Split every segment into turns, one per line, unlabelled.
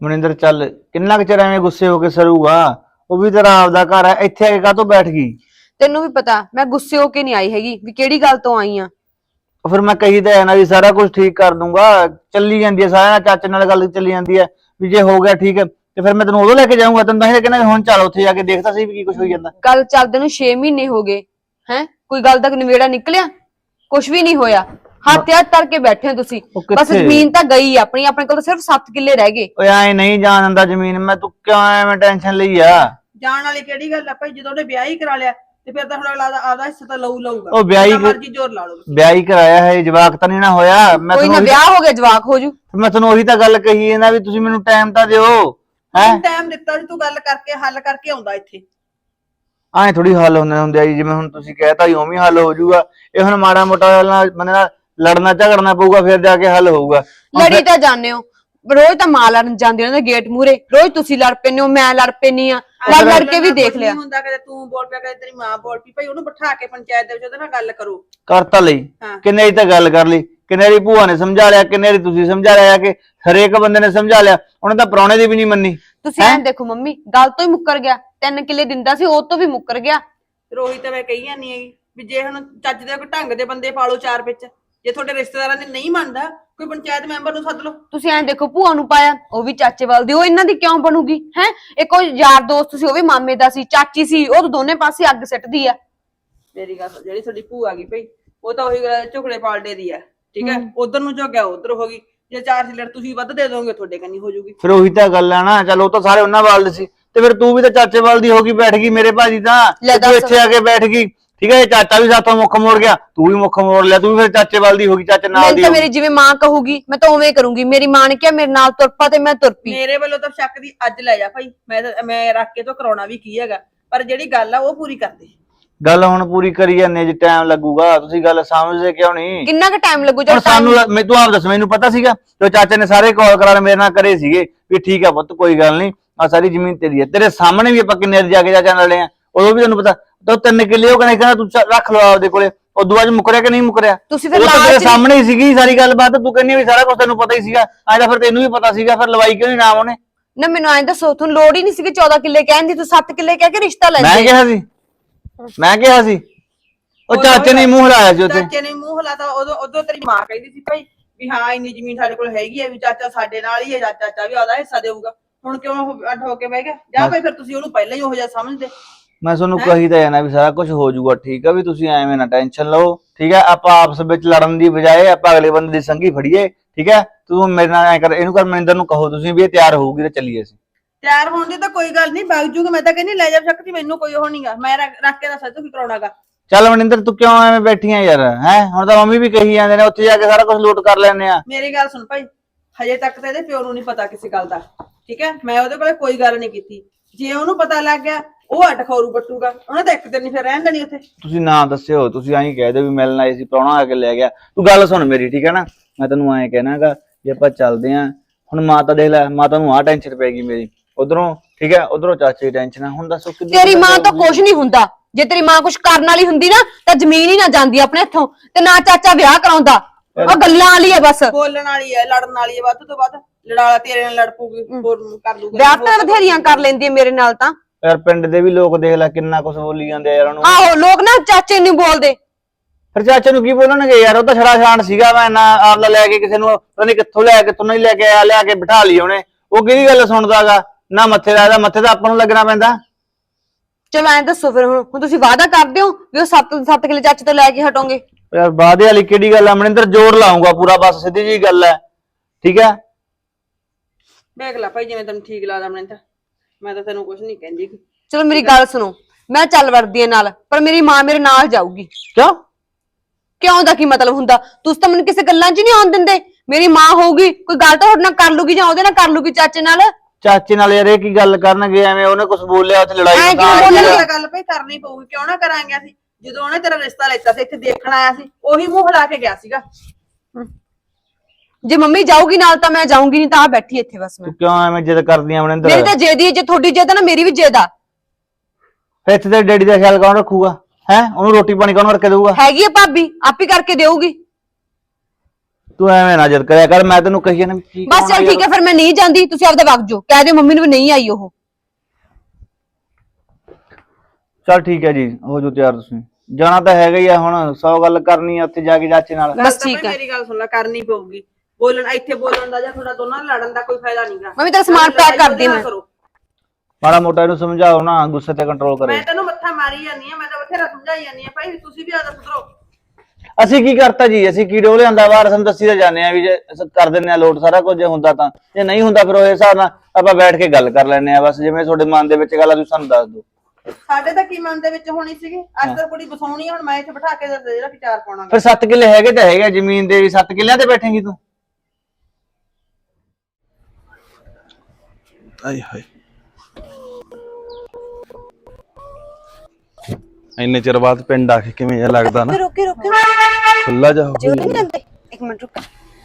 ਮਨਿੰਦਰ ਚੱਲ ਕਿੰਨਾ ਕੁ ਚਿਰ ਐਵੇਂ ਗੁੱਸੇ ਹੋ ਕੇ ਸਰੂਗਾ। ਉਹ ਵੀ ਤੇਰਾ ਆਪਦਾ ਘਰ ਹੈ, ਇੱਥੇ ਆ ਕੇ ਕਾਹਤੋਂ ਬੈਠ ਗਈ?
ਤੈਨੂੰ ਵੀ ਪਤਾ ਮੈਂ ਗੁੱਸੇ ਹੋ ਕੇ ਨਹੀਂ ਆਈ ਹੈਗੀ ਵੀ ਕਿਹੜੀ ਗੱਲ ਤੋਂ ਆਈ ਆ।
ਉਹ ਫਿਰ ਮੈਂ ਕਹੀ ਤਾਂ ਹੈ ਨਾ ਵੀ ਸਾਰਾ ਕੁਝ ਠੀਕ ਕਰ ਦੂੰਗਾ। ਚੱਲੀ ਜਾਂਦੀ ਹੈ ਸਾਰਿਆਂ ਨਾਲ, ਚਾਚੇ ਨਾਲ ਗੱਲ ਚੱਲੀ ਜਾਂਦੀ ਹੈ ਵੀ ਜੇ ਹੋ ਗਿਆ ਠੀਕ ਹੈ ਤੇ ਫਿਰ ਮੈਂ ਤੈਨੂੰ ਉਦੋਂ ਲੈ ਕੇ ਜਾਊਂਗਾ। ਤੈਨੂੰ ਤਾਂ ਇਹ ਕਹਿੰਦਾ ਹੁਣ ਚੱਲ ਉੱਥੇ ਜਾ ਕੇ ਦੇਖਦਾ ਸੀ ਵੀ ਕੀ ਕੁਝ ਹੋਈ ਜਾਂਦਾ।
ਗੱਲ ਚੱਲਦੇ ਨੂੰ 6 ਮਹੀਨੇ ਹੋ ਗਏ ਹੈ, ਕੋਈ ਗੱਲ ਦਾ ਨਿਬੇੜਾ ਨਿਕਲਿਆ? ਕੁਝ ਵੀ ਨਹੀਂ ਹੋਇਆ। ਹੱਥ ਕਰਕੇ ਬੈਠੇ ਹੋ ਤੁਸੀਂ। ਬਸ ਜ਼ਮੀਨ ਤਾਂ ਗਈ ਆਪਣੀ, ਆਪਣੇ ਕੋਲ ਤਾਂ ਸਿਰਫ 7 ਕਿੱਲੇ ਰਹਿ ਗਏ।
ਓਏ ਐ ਨਹੀਂ ਜਾਣ ਦਿੰਦਾ ਜ਼ਮੀਨ ਮੈਂ, ਤੂੰ ਕਿਉਂ ਐਵੇਂ ਟੈਨਸ਼ਨ ਲਈ ਆ?
ਜਾਣ ਵਾਲੀ ਕਿਹੜੀ ਗੱਲ ਆ ਭਾਈ, ਜਦੋਂ ਉਹਨੇ ਵਿਆਹ ਹੀ ਕਰਾ ਲਿਆ ਤੇ ਫਿਰ ਤਾਂ ਹੁਣ ਅਗਲਾ ਆਪਦਾ ਹਿੱਸਾ ਤਾਂ ਲਊਗਾ।
ਉਹ ਵਿਆਹ
ਮਰਜ਼ੀ ਜ਼ੋਰ ਲਾ ਲਓ।
ਵਿਆਹ ਹੀ ਕਰਾਇਆ ਹੈ, ਜਵਾਕ ਤਾਂ ਨਹੀਂ ਨਾ ਹੋਇਆ। ਮੈਂ
ਕੋਈ ਨਾ ਵਿਆਹ ਹੋ ਗਿਆ ਜਵਾਕ ਹੋ ਜੂ।
ਮੈਂ ਤੁਹਾਨੂੰ ਉਹੀ ਤਾਂ ਗੱਲ ਕਹੀ ਹੈ ਨਾ ਵੀ ਤੁਸੀਂ ਮੈਨੂੰ ਟਾਈਮ ਤਾਂ ਦਿਓ। ਹੈ
ਟਾਈਮ ਦਿੱਤਾ ਜੀ, ਤੂੰ ਗੱਲ ਕਰਕੇ ਹੱਲ ਕਰਕੇ ਆਉਂਦਾ ਇੱਥੇ।
ਐ ਥੋੜੀ ਹੱਲ ਹੁੰਦੇ ਆ ਜੀ, ਜਿਵੇਂ ਹੁਣ ਤੁਸੀਂ ਕਹਿਤਾ ਜੀ ਉਵੇਂ ਹੱਲ ਹੋ ਜਾਊਗਾ। ਇਹ ਹੁਣ ਮਾੜਾ ਮੋਟਾ ਬੰਦੇ ਨਾਲ ਲੜਨਾ ਝਗੜਨਾ ਪਊਗਾ ਫਿਰ ਜਾ ਕੇ ਹੱਲ ਹੋਊਗਾ।
ਲੜੀ ਤਾਂ ਜਾਂਦੇ ਹੋ ਰੋਜ਼, ਤਾਂ ਮਾਂ ਲੜਨ ਜਾਂਦੀ ਉਹਨਾਂ ਦੇ ਗੇਟ ਮੂਹਰੇ, ਰੋਜ਼ ਤੁਸੀਂ ਲੜ ਪੈਂਦੇ ਹੋ, ਮੈਂ ਲੜ ਪੈਂਦੀ ਆ। ਲੜ ਕੇ ਵੀ ਦੇਖ ਲਿਆ
ਹੁੰਦਾ, ਕਦੇ ਤੂੰ ਬੋਲ ਪਿਆ ਕਦੇ ਤੇਰੀ ਮਾਂ ਬੋਲ ਪਈ। ਭਾਈ ਉਹਨੂੰ ਬਿਠਾ ਕੇ ਪੰਚਾਇਤ ਦੇ ਵਿੱਚ ਉਹਦੇ ਨਾਲ ਗੱਲ ਕਰੋ।
ਕਰ ਤਾਂ ਲਈ, ਕਿੰਨੇ ਦੀ ਤਾਂ ਗੱਲ ਕਰ ਲਈ, ਕਿੰਨੇ ਦੀ ਭੂਆ ਨੇ ਸਮਝਾ ਲਿਆ, ਕਿੰਨੇ ਦੀ ਤੁਸੀਂ ਸਮਝਾ ਲਿਆ ਕਿ ਹਰੇਕ ਬੰਦੇ ਨੇ ਸਮਝਾ ਲਿਆ। ਉਹਨੇ ਤਾਂ ਪ੍ਰਾਹੁਣੇ ਦੀ ਵੀ ਨਹੀਂ ਮੰਨੀ।
ਤੁਸੀਂ ਐਂ ਦੇਖੋ ਮੰਮੀ, ਗੱਲ ਤੋਂ ਹੀ ਮੁੱਕਰ ਗਿਆ। 3 ਕਿੱਲੇ ਦਿੰਦਾ ਸੀ ਉਹ ਤੋਂ ਵੀ ਮੁੱਕਰ ਗਿਆ।
ਰੋਹੀ ਤਾਂ ਮੈਂ ਕਹੀ ਜਾਂਦੀ ਹੈਗੀ ਵੀ ਜੇ ਹੁਣ ਚੱਜ ਦੇ ਕੋਈ ਢੰਗ ਦੇ ਬੰਦੇ ਪਾਲੋ ਚਾਰ ਵਿੱਚ। ਜੇ ਤੁਹਾਡੇ ਰਿਸ਼ਤੇਦਾਰਾਂ ਦੇ ਨਹੀਂ ਮੰਨਦਾ, ਕੋਈ ਪੰਚਾਇਤ ਮੈਂਬਰ ਨੂੰ ਸੱਦ ਲਓ।
ਤੁਸੀਂ ਐਂ ਦੇਖੋ ਭੂਆ ਨੂੰ ਪਾਇਆ, ਉਹ ਵੀ ਚਾਚੇ ਵੱਲ ਦੀ, ਉਹ ਇਹਨਾਂ ਦੀ ਕਿਉਂ ਬਣੂਗੀ? ਹੈ ਇੱਕ ਉਹ ਯਾਰ ਦੋਸਤ ਸੀ, ਉਹ ਵੀ ਮਾਮੇ ਦਾ ਸੀ, ਚਾਚੀ ਸੀ, ਉਹ ਦੋਨੇ ਪਾਸੇ ਅੱਗ ਸਿੱਟਦੀ ਆ।
ਮੇਰੀ ਗੱਲ ਜਿਹੜੀ ਤੁਹਾਡੀ ਭੂਆ ਆ ਗਈ ਭਾਈ, ਉਹ ਤਾਂ ਉਹੀ ਝੁਕੜੇ ਪਾਲਡੇ ਦੀ ਆ। ਠੀਕ ਹੈ, ਉਧਰ ਨੂੰ ਝੁਕਿਆ ਉਧਰ ਹੋ ਗਈ। ਜੇ 4 ਸਿਲਰ ਤੁਸੀਂ ਵੱਧ ਦੇ ਦੋਗੇ ਤੁਹਾਡੇ ਕੰਨੀ ਹੋ ਜੂਗੀ।
ਫਿਰ ਉਹੀ ਤਾਂ ਗੱਲ ਆ ਨਾ। ਚਲ ਉਹ ਤਾਂ ਸਾਰੇ ਉਹਨਾਂ ਵੱਲ ਦੇ ਸੀ ਤੇ ਫਿਰ ਤੂੰ ਵੀ ਤਾਂ ਚਾਚੇ ਵੱਲ ਦੀ ਹੋ ਗਈ ਬੈਠ ਗਈ। ਮੇਰੇ ਭਾਜੀ ਤਾਂ ਤੂੰ ਇੱਥੇ ਆ ਕੇ ਬੈਠ ਗਈ। ਠੀਕ ਹੈ, ਚਾਚਾ ਵੀ ਸਾਥੋਂ ਮੁੱਖ ਮੋੜ ਗਿਆ, ਤੂੰ ਵੀ ਮੁੱਖ ਮੋੜ ਲਿਆ। ਤੂੰ ਵੀ ਫਿਰ ਚਾਚੇ ਵੱਲ ਦੀ ਹੋ ਗਈ, ਚਾਚੇ ਨਾਲ ਦੀ।
ਤਾਂ ਮੇਰੀ ਜਿਵੇਂ ਮਾਂ ਕਹੂਗੀ ਮੈਂ ਤਾਂ ਉਵੇਂ ਕਰੂੰਗੀ। ਮੇਰੀ ਮਾਂ ਨੇ ਕਿਹਾ ਮੇਰੇ ਨਾਲ ਤੁਰ ਪਾ ਤੇ ਮੈਂ ਤੁਰ ਪਈ।
ਮੇਰੇ ਵੱਲੋਂ ਤਾਂ ਸ਼ੱਕ ਦੀ ਅੱਜ ਲੈ ਜਾ ਭਾਈ। ਮੈਂ ਰੱਖ ਕੇ ਤੋਂ ਕਰਾਉਣਾ ਵੀ ਕੀ ਹੈਗਾ, ਪਰ ਜਿਹੜੀ ਗੱਲ ਆ ਉਹ ਪੂਰੀ ਕਰ ਦੇ।
ਗੱਲ ਹੁਣ ਪੂਰੀ ਕਰੀ ਜਾਂਦੇ ਜੀ, ਟਾਈਮ ਲੱਗੂਗਾ। ਤੁਸੀਂ ਗੱਲ ਸਮਝਦੇ ਕਿਉਂ ਨਹੀਂ?
ਕਿੰਨਾ ਕੁ ਟਾਈਮ ਲੱਗੂ?
ਹੁਣ ਸਾਨੂੰ ਤੂੰ ਆਪ ਦੱਸ, ਮੈਨੂੰ ਪਤਾ ਸੀਗਾ ਤੇ ਚਾਚੇ ਨੇ ਸਾਰੇ ਕਾਲ ਕਰਾ ਮੇਰੇ ਨਾਲ ਕਰੇ ਸੀਗੇ ਵੀ ਠੀਕ ਆ ਪੁੱਤ ਕੋਈ ਗੱਲ ਨਹੀਂ, ਆ ਸਾਰੀ ਜ਼ਮੀਨ ਤੇਰੀ ਹੈ। ਤੇਰੇ ਸਾਹਮਣੇ ਵੀ ਆਪਾਂ ਕਿੰਨੇ ਜਾ ਕੇ ਚਾਚਾ ਨਾਲ ਲੜੇ ਆ, ਉਦੋਂ ਵੀ ਤੈਨੂੰ ਪਤਾ। ਤਾਂ 3 ਕਿੱਲੇ ਉਹ ਕਹਿੰਦਾ ਤੂੰ ਰੱਖ ਲਓ ਆਪਦੇ ਕੋਲੇ। ਉਦੋਂ ਬਾਅਦ ਮੁੱਕਰਿਆ ਕਿ ਨਹੀਂ ਮੁੱਕਰਿਆ?
ਤੁਸੀਂ ਫਿਰ
ਤੇਰੇ ਸਾਹਮਣੇ ਹੀ ਸੀਗੀ ਸਾਰੀ ਗੱਲਬਾਤ। ਤੂੰ ਕਹਿੰਦੀ ਵੀ ਸਾਰਾ ਕੁਝ ਤੈਨੂੰ ਪਤਾ ਹੀ ਸੀਗਾ। ਅੱਜ ਤਾਂ ਫਿਰ ਤੈਨੂੰ ਵੀ ਪਤਾ ਸੀਗਾ, ਫਿਰ ਲਵਾਈ ਕਿਉਂ ਨਹੀਂ ਨਾਮ ਉਹਨੇ?
ਨਾ ਮੈਨੂੰ ਐਂ ਦੱਸੋ, ਤੁਹਾਨੂੰ ਲੋੜ ਹੀ ਨਹੀਂ ਸੀ 14 ਕਿੱਲੇ ਕਹਿਣ ਦੀ, ਤੂੰ 7 ਕਿੱਲੇ ਕਹਿ ਕੇ ਰਿਸ਼ਤਾ ਲੈ
ਮੈਂ ਕਿਹਾ ਸੀ ਉਹ ਚਾਚੇ ਨੇ ਮੂੰਹ ਹਿਲਾਇਆ ਸੀ ਉੱਥੇ।
ਚਾਚੇ ਨੇ ਮੂੰਹ ਹਿਲਾਤਾ। ਉਦੋਂ ਤੇਰੀ ਮਾਂ ਕਹਿੰਦੀ ਸੀ ਭਾਈ ਵੀ ਹਾਂ ਇੰਨੀ ਜ਼ਮੀਨ ਸਾਡੇ ਕੋਲ ਹੈਗੀ ਹੈ, ਵੀ ਚਾਚਾ ਸਾਡੇ ਨਾਲ ਹੀ ਹੈ, ਚਾਚਾ ਵੀ ਆਦਾ ਹਿੱਸਾ ਦੇਊਗਾ। ਹੁਣ ਕਿਉਂ ਅੱਡ ਹੋ ਕੇ ਬਹਿ ਗਿਆ? ਜਾਂ ਭਾਈ ਫਿਰ ਤੁਸੀਂ ਉਹਨੂੰ ਪਹਿਲਾਂ ਹੀ ਉਹੋ ਜਿਹਾ ਸਮਝਦੇ।
ਮੈਂ ਤੁਹਾਨੂੰ ਕਹੀ ਤਾਂ ਜਾਣਾ ਵੀ ਸਾਰਾ ਕੁਝ ਹੋ ਜਾਊਗਾ ਠੀਕ ਆ, ਵੀ ਤੁਸੀਂ ਐਵੇਂ ਨਾ ਟੈਨਸ਼ਨ ਲਓ। ਠੀਕ ਹੈ, ਆਪਾਂ ਆਪਸ ਵਿੱਚ ਲੜਨ ਦੀ ਬਜਾਏ ਆਪਾਂ ਅਗਲੇ ਬੰਦੇ ਦੀ ਸੰਗੀ ਫੜੀਏ। ਠੀਕ ਹੈ, ਤੂੰ ਮੇਰੇ ਨਾਲ ਐ ਕਰ, ਇਹਨੂੰ ਕਰ, ਮਨਿੰਦਰ ਨੂੰ ਕਹੋ ਤੁਸੀਂ ਵੀ ਇਹ ਤਿਆਰ ਹੋਊਗੀ ਤੇ ਚੱਲੀਏ ਅਸੀਂ।
ਤਿਆਰ ਹੋਣ ਦੀ ਤਾਂ ਕੋਈ ਗੱਲ ਨਹੀਂ, ਵਗ ਜੂਗਾ। ਮੈਂ ਤਾਂ ਕਹਿੰਦੀ ਲੈ ਜਾ ਸਕਦੀ, ਮੈਨੂੰ ਕੋਈ ਉਹ ਨਹੀਂਗਾ। ਮੈਂ ਰੱਖ ਕੇ ਦੱਸ ਤੂੰ ਕੀ ਕਰਾਉਣਾਗਾ।
ਚੱਲ ਮਨਿੰਦਰ ਤੂੰ ਕਿਉਂ ਐਵੇਂ ਬੈਠੀ ਆ ਯਾਰ? ਹੈ ਹੁਣ ਤਾਂ ਮੰਮੀ ਵੀ ਕਹੀ ਜਾਂਦੇ ਨੇ ਉੱਥੇ ਜਾ ਕੇ ਸਾਰਾ ਕੁਝ ਲੂਟ ਕਰ ਲੈਣੇ ਆ।
ਮੇਰੀ ਗੱਲ ਸੁਣ ਭਾਈ, ਹਜੇ ਤੱਕ ਤਾਂ ਇਹਦੇ ਪਿਓ ਨੂੰ ਨਹੀਂ ਪਤਾ ਕਿਸੇ ਗੱਲ ਦਾ। ਠੀਕ ਹੈ, ਮੈਂ ਉਹਦੇ ਕੋਲੇ ਕੋਈ ਗੱਲ ਨਹੀਂ ਕੀਤੀ। ਜੇ ਉਹਨੂੰ ਪਤਾ ਲੱਗ ਗਿਆ ਉਹ ਅੱਡ ਖੌਰੂ ਪੱਟੂਗਾ। ਉਹਨੇ ਤਾਂ ਇੱਕ ਦਿਨ ਨਹੀਂ ਫਿਰ ਰਹਿਣ ਦੇਣੀ ਉੱਥੇ।
ਤੁਸੀਂ ਨਾ ਦੱਸਿਓ, ਤੁਸੀਂ ਐਂ ਕਹਿ ਦਿਓ ਵੀ ਮਿਲਣ ਆਏ ਸੀ, ਪ੍ਰਾਹੁਣਾ ਆ ਕੇ ਲੈ ਗਿਆ। ਤੂੰ ਗੱਲ ਸੁਣ ਮੇਰੀ, ਠੀਕ ਹੈ ਨਾ? ਮੈਂ ਤੈਨੂੰ ਐਂ ਕਹਿਣਾਗਾ ਜੇ ਆਪਾਂ ਚੱਲਦੇ ਆਂ। ਹੁਣ ਮਾਤਾ ਦੇਖ ਲੈ, ਮਾਤਾ ਨੂੰ ਆਹ ਟੈਨਸ਼ਨ ਪੈ ਗਈ ਮੇਰੀ ਉਧਰੋਂ। ਠੀਕ ਹੈ, ਉਧਰੋਂ ਚਾਚੇ ਦੀ ਟੈਨਸ਼ਨ ਆ। ਹੁਣ ਦੱਸੋ
ਤੇਰੀ ਮਾਂ ਤਾਂ ਕੁਝ ਨਹੀਂ ਹੁੰਦਾ। ਜੇ ਤੇਰੀ ਮਾਂ ਕੁਝ ਕਰਨ ਵਾਲੀ ਹੁੰਦੀ ਨਾ ਤਾਂ ਜ਼ਮੀਨ ਹੀ ਨਾ ਜਾਂਦੀ ਆਪਣੇ ਹੱਥੋਂ, ਤੇ ਨਾ ਚਾਚਾ ਵਿਆਹ ਕਰਾਉਂਦਾ। ਉਹ ਗੱਲਾਂ ਵਾਲੀ ਹੈ ਬਸ,
ਬੋਲਣ ਵਾਲੀ ਹੈ, ਲੜਨ ਵਾਲੀ ਹੈ। ਵੱਧ ਤੋਂ ਵੱਧ ਲੜਾਲਾ ਤੇਰੇ ਨਾਲ ਲੜ ਪੂਗੀ, ਹੋਰ ਕਰ ਲੂਗਾ।
ਵਿਆਹ ਤਾਂ ਬਥੇਰੀਆਂ ਕਰ ਲੈਂਦੀ ਹੈ ਮੇਰੇ ਨਾਲ ਤਾਂ।
ਯਾਰ ਪਿੰਡ ਦੇ ਵੀ ਲੋਕ ਦੇਖ ਲੈ ਕਿੰਨਾ ਕੁਝ ਬੋਲੀ ਜਾਂਦੇ ਆ ਯਾਰ ਉਹਨੂੰ।
ਆਹੋ, ਲੋਕ ਨਾ ਚਾਚੇ ਨੂੰ ਬੋਲਦੇ।
ਫਿਰ ਚਾਚੇ ਨੂੰ ਕੀ ਬੋਲਣਗੇ ਯਾਰ? ਉਹ ਤਾਂ ਛੜਾ ਛਾਣ ਸੀਗਾ। ਮੈਂ ਨਾ ਆਪਦਾ ਲੈ ਕੇ ਕਿਸੇ ਨੂੰ ਪਤਾ ਨਹੀਂ ਕਿੱਥੋਂ ਲਿਆ, ਕਿੱਥੋਂ ਨਹੀਂ ਲੈ ਕੇ ਆਇਆ, ਲਿਆ ਕੇ ਬਿਠਾ ਲਈ ਉਹਨੇ। ਉਹ ਕਿਹਦੀ ਗੱਲ ਸੁਣਦਾਗਾ ਨਾ? ਮੱਥੇ ਦਾ ਮੱਥੇ ਤਾਂ ਆਪਾਂ ਨੂੰ ਲੱਗਣਾ ਪੈਂਦਾ।
ਚਲੋ ਐਂ ਦੱਸੋ ਫਿਰ, ਹੁਣ ਤੁਸੀਂ ਵਾਅਦਾ ਕਰਦੇ ਹੋ ਵੀ ਉਹ 7 ਕਿੱਲੇ ਚਾਚੇ ਤੋਂ ਲੈ ਕੇ ਹਟੋਗੇ?
ਯਾਰ ਵਾਅਦੇ ਵਾਲੀ ਕਿਹੜੀ ਗੱਲ ਆ ਮਨਿੰਦਰ? ਜ਼ੋਰ ਲਾਉਂਗਾ ਪੂਰਾ, ਬਸ ਸਿੱਧੀ ਜੀ ਗੱਲ ਹੈ। ਠੀਕ ਹੈ,
ਦੇਖ ਲੈ ਭਾਈ ਜਿਵੇਂ ਤੈਨੂੰ ਠੀਕ ਲੱਗਦਾ। ਮੈਂ ਤਾਂ ਤੈਨੂੰ ਕੁਝ ਨਹੀਂ ਕਹਿੰਦੀ।
ਚਲੋ ਮੇਰੀ ਗੱਲ ਸੁਣੋ, ਮੈਂ ਚੱਲ ਵੜਦੀ ਆ ਨਾਲ, ਪਰ ਮੇਰੀ ਮਾਂ ਮੇਰੇ ਨਾਲ ਜਾਊਗੀ। ਕਿਉਂ ਦਾ ਕੀ ਮਤਲਬ ਹੁੰਦਾ? ਤੁਸੀਂ ਤਾਂ ਮੈਨੂੰ ਕਿਸੇ ਗੱਲਾਂ 'ਚ ਨਹੀਂ ਆਉਣ ਦਿੰਦੇ। ਮੇਰੀ ਮਾਂ ਹੋਊਗੀ, ਕੋਈ ਗੱਲ ਤਾਂ ਤੁਹਾਡੇ ਨਾਲ ਕਰ ਲੂਗੀ ਜਾਂ ਉਹਦੇ ਨਾਲ ਕਰ ਲੂਗੀ, ਚਾਚੇ ਨਾਲ।
ਚਾਚੇ ਨਾਲ ਯਾਰ ਇਹ ਕੀ ਗੱਲ ਕਰਨਗੇ? ਐਵੇਂ ਉਹਨੇ ਕੁਝ ਬੋਲਿਆ ਉੱਥੇ ਲੜਾਈ
ਗੱਲ ਭਾਈ ਕਰਨੀ ਪਊਗੀ। ਕਿਉਂ ਨਾ ਕਰਾਂਗੇ ਅਸੀਂ? ਜਦੋਂ ਉਹਨੇ ਤੇਰਾ ਰਿਸ਼ਤਾ ਲੈਤਾ ਸੀ, ਇੱਥੇ ਦੇਖਣ ਆਇਆ ਸੀ, ਉਹੀ ਮੂੰਹ ਹਿਲਾ ਕੇ ਗਿਆ ਸੀਗਾ।
ਜੇ ਮੰਮੀ ਜਾਊਗੀ ਨਾਲ ਤਾਂ ਮੈਂ ਜਾਊਂਗੀ, ਨਹੀਂ ਤਾਂ ਆ ਬੈਠੀ ਇੱਥੇ ਬਸ ਮੈਂ।
ਤੂੰ ਕਿਉਂ ਐਵੇਂ ਜਿੱਦ ਕਰਦੀ ਆ ਮਨਿੰਦਰ?
ਮੇਰੀ ਤਾਂ ਜਿੱਦ ਹੀ, ਜੇ ਤੁਹਾਡੀ ਜਿੱਦ ਨਾ ਮੇਰੀ ਵੀ ਜਿੱਦ ਆ।
ਫਿਰ ਇੱਥੇ ਤੇ ਡੈਡੀ ਦਾ ਖਿਆਲ ਕੌਣ ਰੱਖੂਗਾ? ਹੈ ਉਹਨੂੰ ਰੋਟੀ ਪਾਣੀ ਕੌਣ ਕਰਕੇ ਦੇਊਗਾ?
ਹੈਗੀ ਆ ਭਾਬੀ, ਆਪ ਹੀ ਕਰਕੇ ਦੇਊਗੀ।
ਤੂੰ ਐਵੇਂ ਨਾ ਜਦ ਕਰਿਆ ਕਰ, ਮੈਂ ਤੈਨੂੰ ਕਹੀ ਨਾ ਕੀ
ਬਸ ਚੱਲ ਠੀਕ ਹੈ ਫਿਰ ਮੈਂ ਨਹੀਂ ਜਾਂਦੀ, ਤੁਸੀਂ ਆਪਦਾ ਵਗ ਜਾਓ, ਕਹਿ ਦਿਓ ਮੰਮੀ ਨੂੰ ਵੀ ਨਹੀਂ ਆਈ ਉਹ।
ਚੱਲ ਠੀਕ ਹੈ ਜੀ, ਹੋ ਜੋ ਤਿਆਰ ਤੁਸੀਂ। ਜਾਣਾ ਤਾਂ ਹੈਗਾ ਹੀ ਆ ਹੁਣ, 100 ਗੱਲ ਕਰਨੀ ਆ ਉੱਥੇ ਜਾ ਕੇ ਚਾਚੇ ਨਾਲ।
ਬਸ ਠੀਕ ਹੈ।
ਮੇਰੀ ਗੱਲ ਸੁਣ ਲੈ, ਕਰਨੀ ਪਊਗੀ। ਬੋਲਣ ਇੱਥੇ ਬੋਲਣ ਦਾ ਜਾਂ ਤੁਹਾਡਾ ਦੋਨਾਂ ਨਾਲ ਲੜਨ ਦਾ ਕੋਈ ਫਾਇਦਾ ਨਹੀਂਗਾ।
ਮੰਮੀ ਤੇਰਾ ਸਮਾਨ ਪੈਕ ਕਰਦੀ ਮੈਂ।
ਮਾੜਾ ਮੋਟਾ ਇਹਨੂੰ ਸਮਝਾਓ ਨਾ, ਗੁੱਸੇ ਤੇ ਕੰਟਰੋਲ ਕਰੇ।
ਮੈਂ ਤੈਨੂੰ ਮੱਥਾ ਮਾਰੀ ਜਾਂਦੀ ਆ, ਮੈਂ ਤਾਂ ਬਥੇਰਾ ਸਮਝਾਈ ਜਾਂਦੀ ਆ ਭਾਈ, ਤੁਸੀਂ ਵੀ ਆਦਾ ਸੁਧਰੋ।
ਅਸੀਂ ਕੀ ਕਰਤਾ ਜੀ, ਅਸੀਂ ਕੀ ਡੋਲੇ ਆਂਦਾ ਬਾਹਰ, ਸਾਨੂੰ ਦੱਸੀ ਤਾਂ ਜਾਂਦੇ ਆ ਵੀ ਜੇ ਕਰ ਦਿੰਦੇ ਆ ਲੋਟ ਸਾਰਾ ਕੁਝ, ਜੇ ਹੁੰਦਾ ਤਾਂ, ਜੇ ਨਹੀਂ ਹੁੰਦਾ ਫਿਰ ਉਹ ਹਿਸਾਬ ਨਾਲ ਆਪਾਂ ਬੈਠ ਕੇ ਗੱਲ ਕਰ ਲੈਣੇ ਆ। ਬਸ ਜਿਵੇਂ ਤੁਹਾਡੇ ਮਨ ਦੇ ਵਿੱਚ ਗੱਲ ਆ ਤੁਸੀਂ ਸਾਨੂੰ ਦੱਸ ਦਿਓ।
ਸਾਡੇ ਤਾਂ ਕੀ ਮਨ ਦੇ ਵਿੱਚ ਹੋਣੀ ਸੀਗੀ, ਅੱਜ ਤਾਂ ਕੁੜੀ ਬਸਾਉਣੀ ਆ, ਹੁਣ ਮੈਂ ਇੱਥੇ ਬਿਠਾ ਕੇ ਜਿਹੜਾ ਕਿ 4 ਪਾਉਣਾ।
ਫਿਰ 7 ਕਿੱਲੇ ਹੈਗੇ ਤਾਂ ਹੈਗੇ ਜ਼ਮੀਨ ਦੇ, 7 ਕਿੱਲਿਆਂ ਤੇ ਬੈਠੇਂਗੀ ਤੂੰ?
ਆਏ ਹਾਏ, ਇੰਨੇ ਚਿਰ ਬਾਅਦ ਪਿੰਡ ਆ ਕੇ ਕਿਵੇਂ ਜਿਹਾ ਲੱਗਦਾ ਨਾ,
ਰੁਕੇ ਰੁਕੇ
ਖੁੱਲਾ ਜਾ ਹੋ
ਜੋੜੀ ਨਹੀਂ ਲੈਂਦੇ, ਇੱਕ ਮਿੰਟ ਰੁਕ।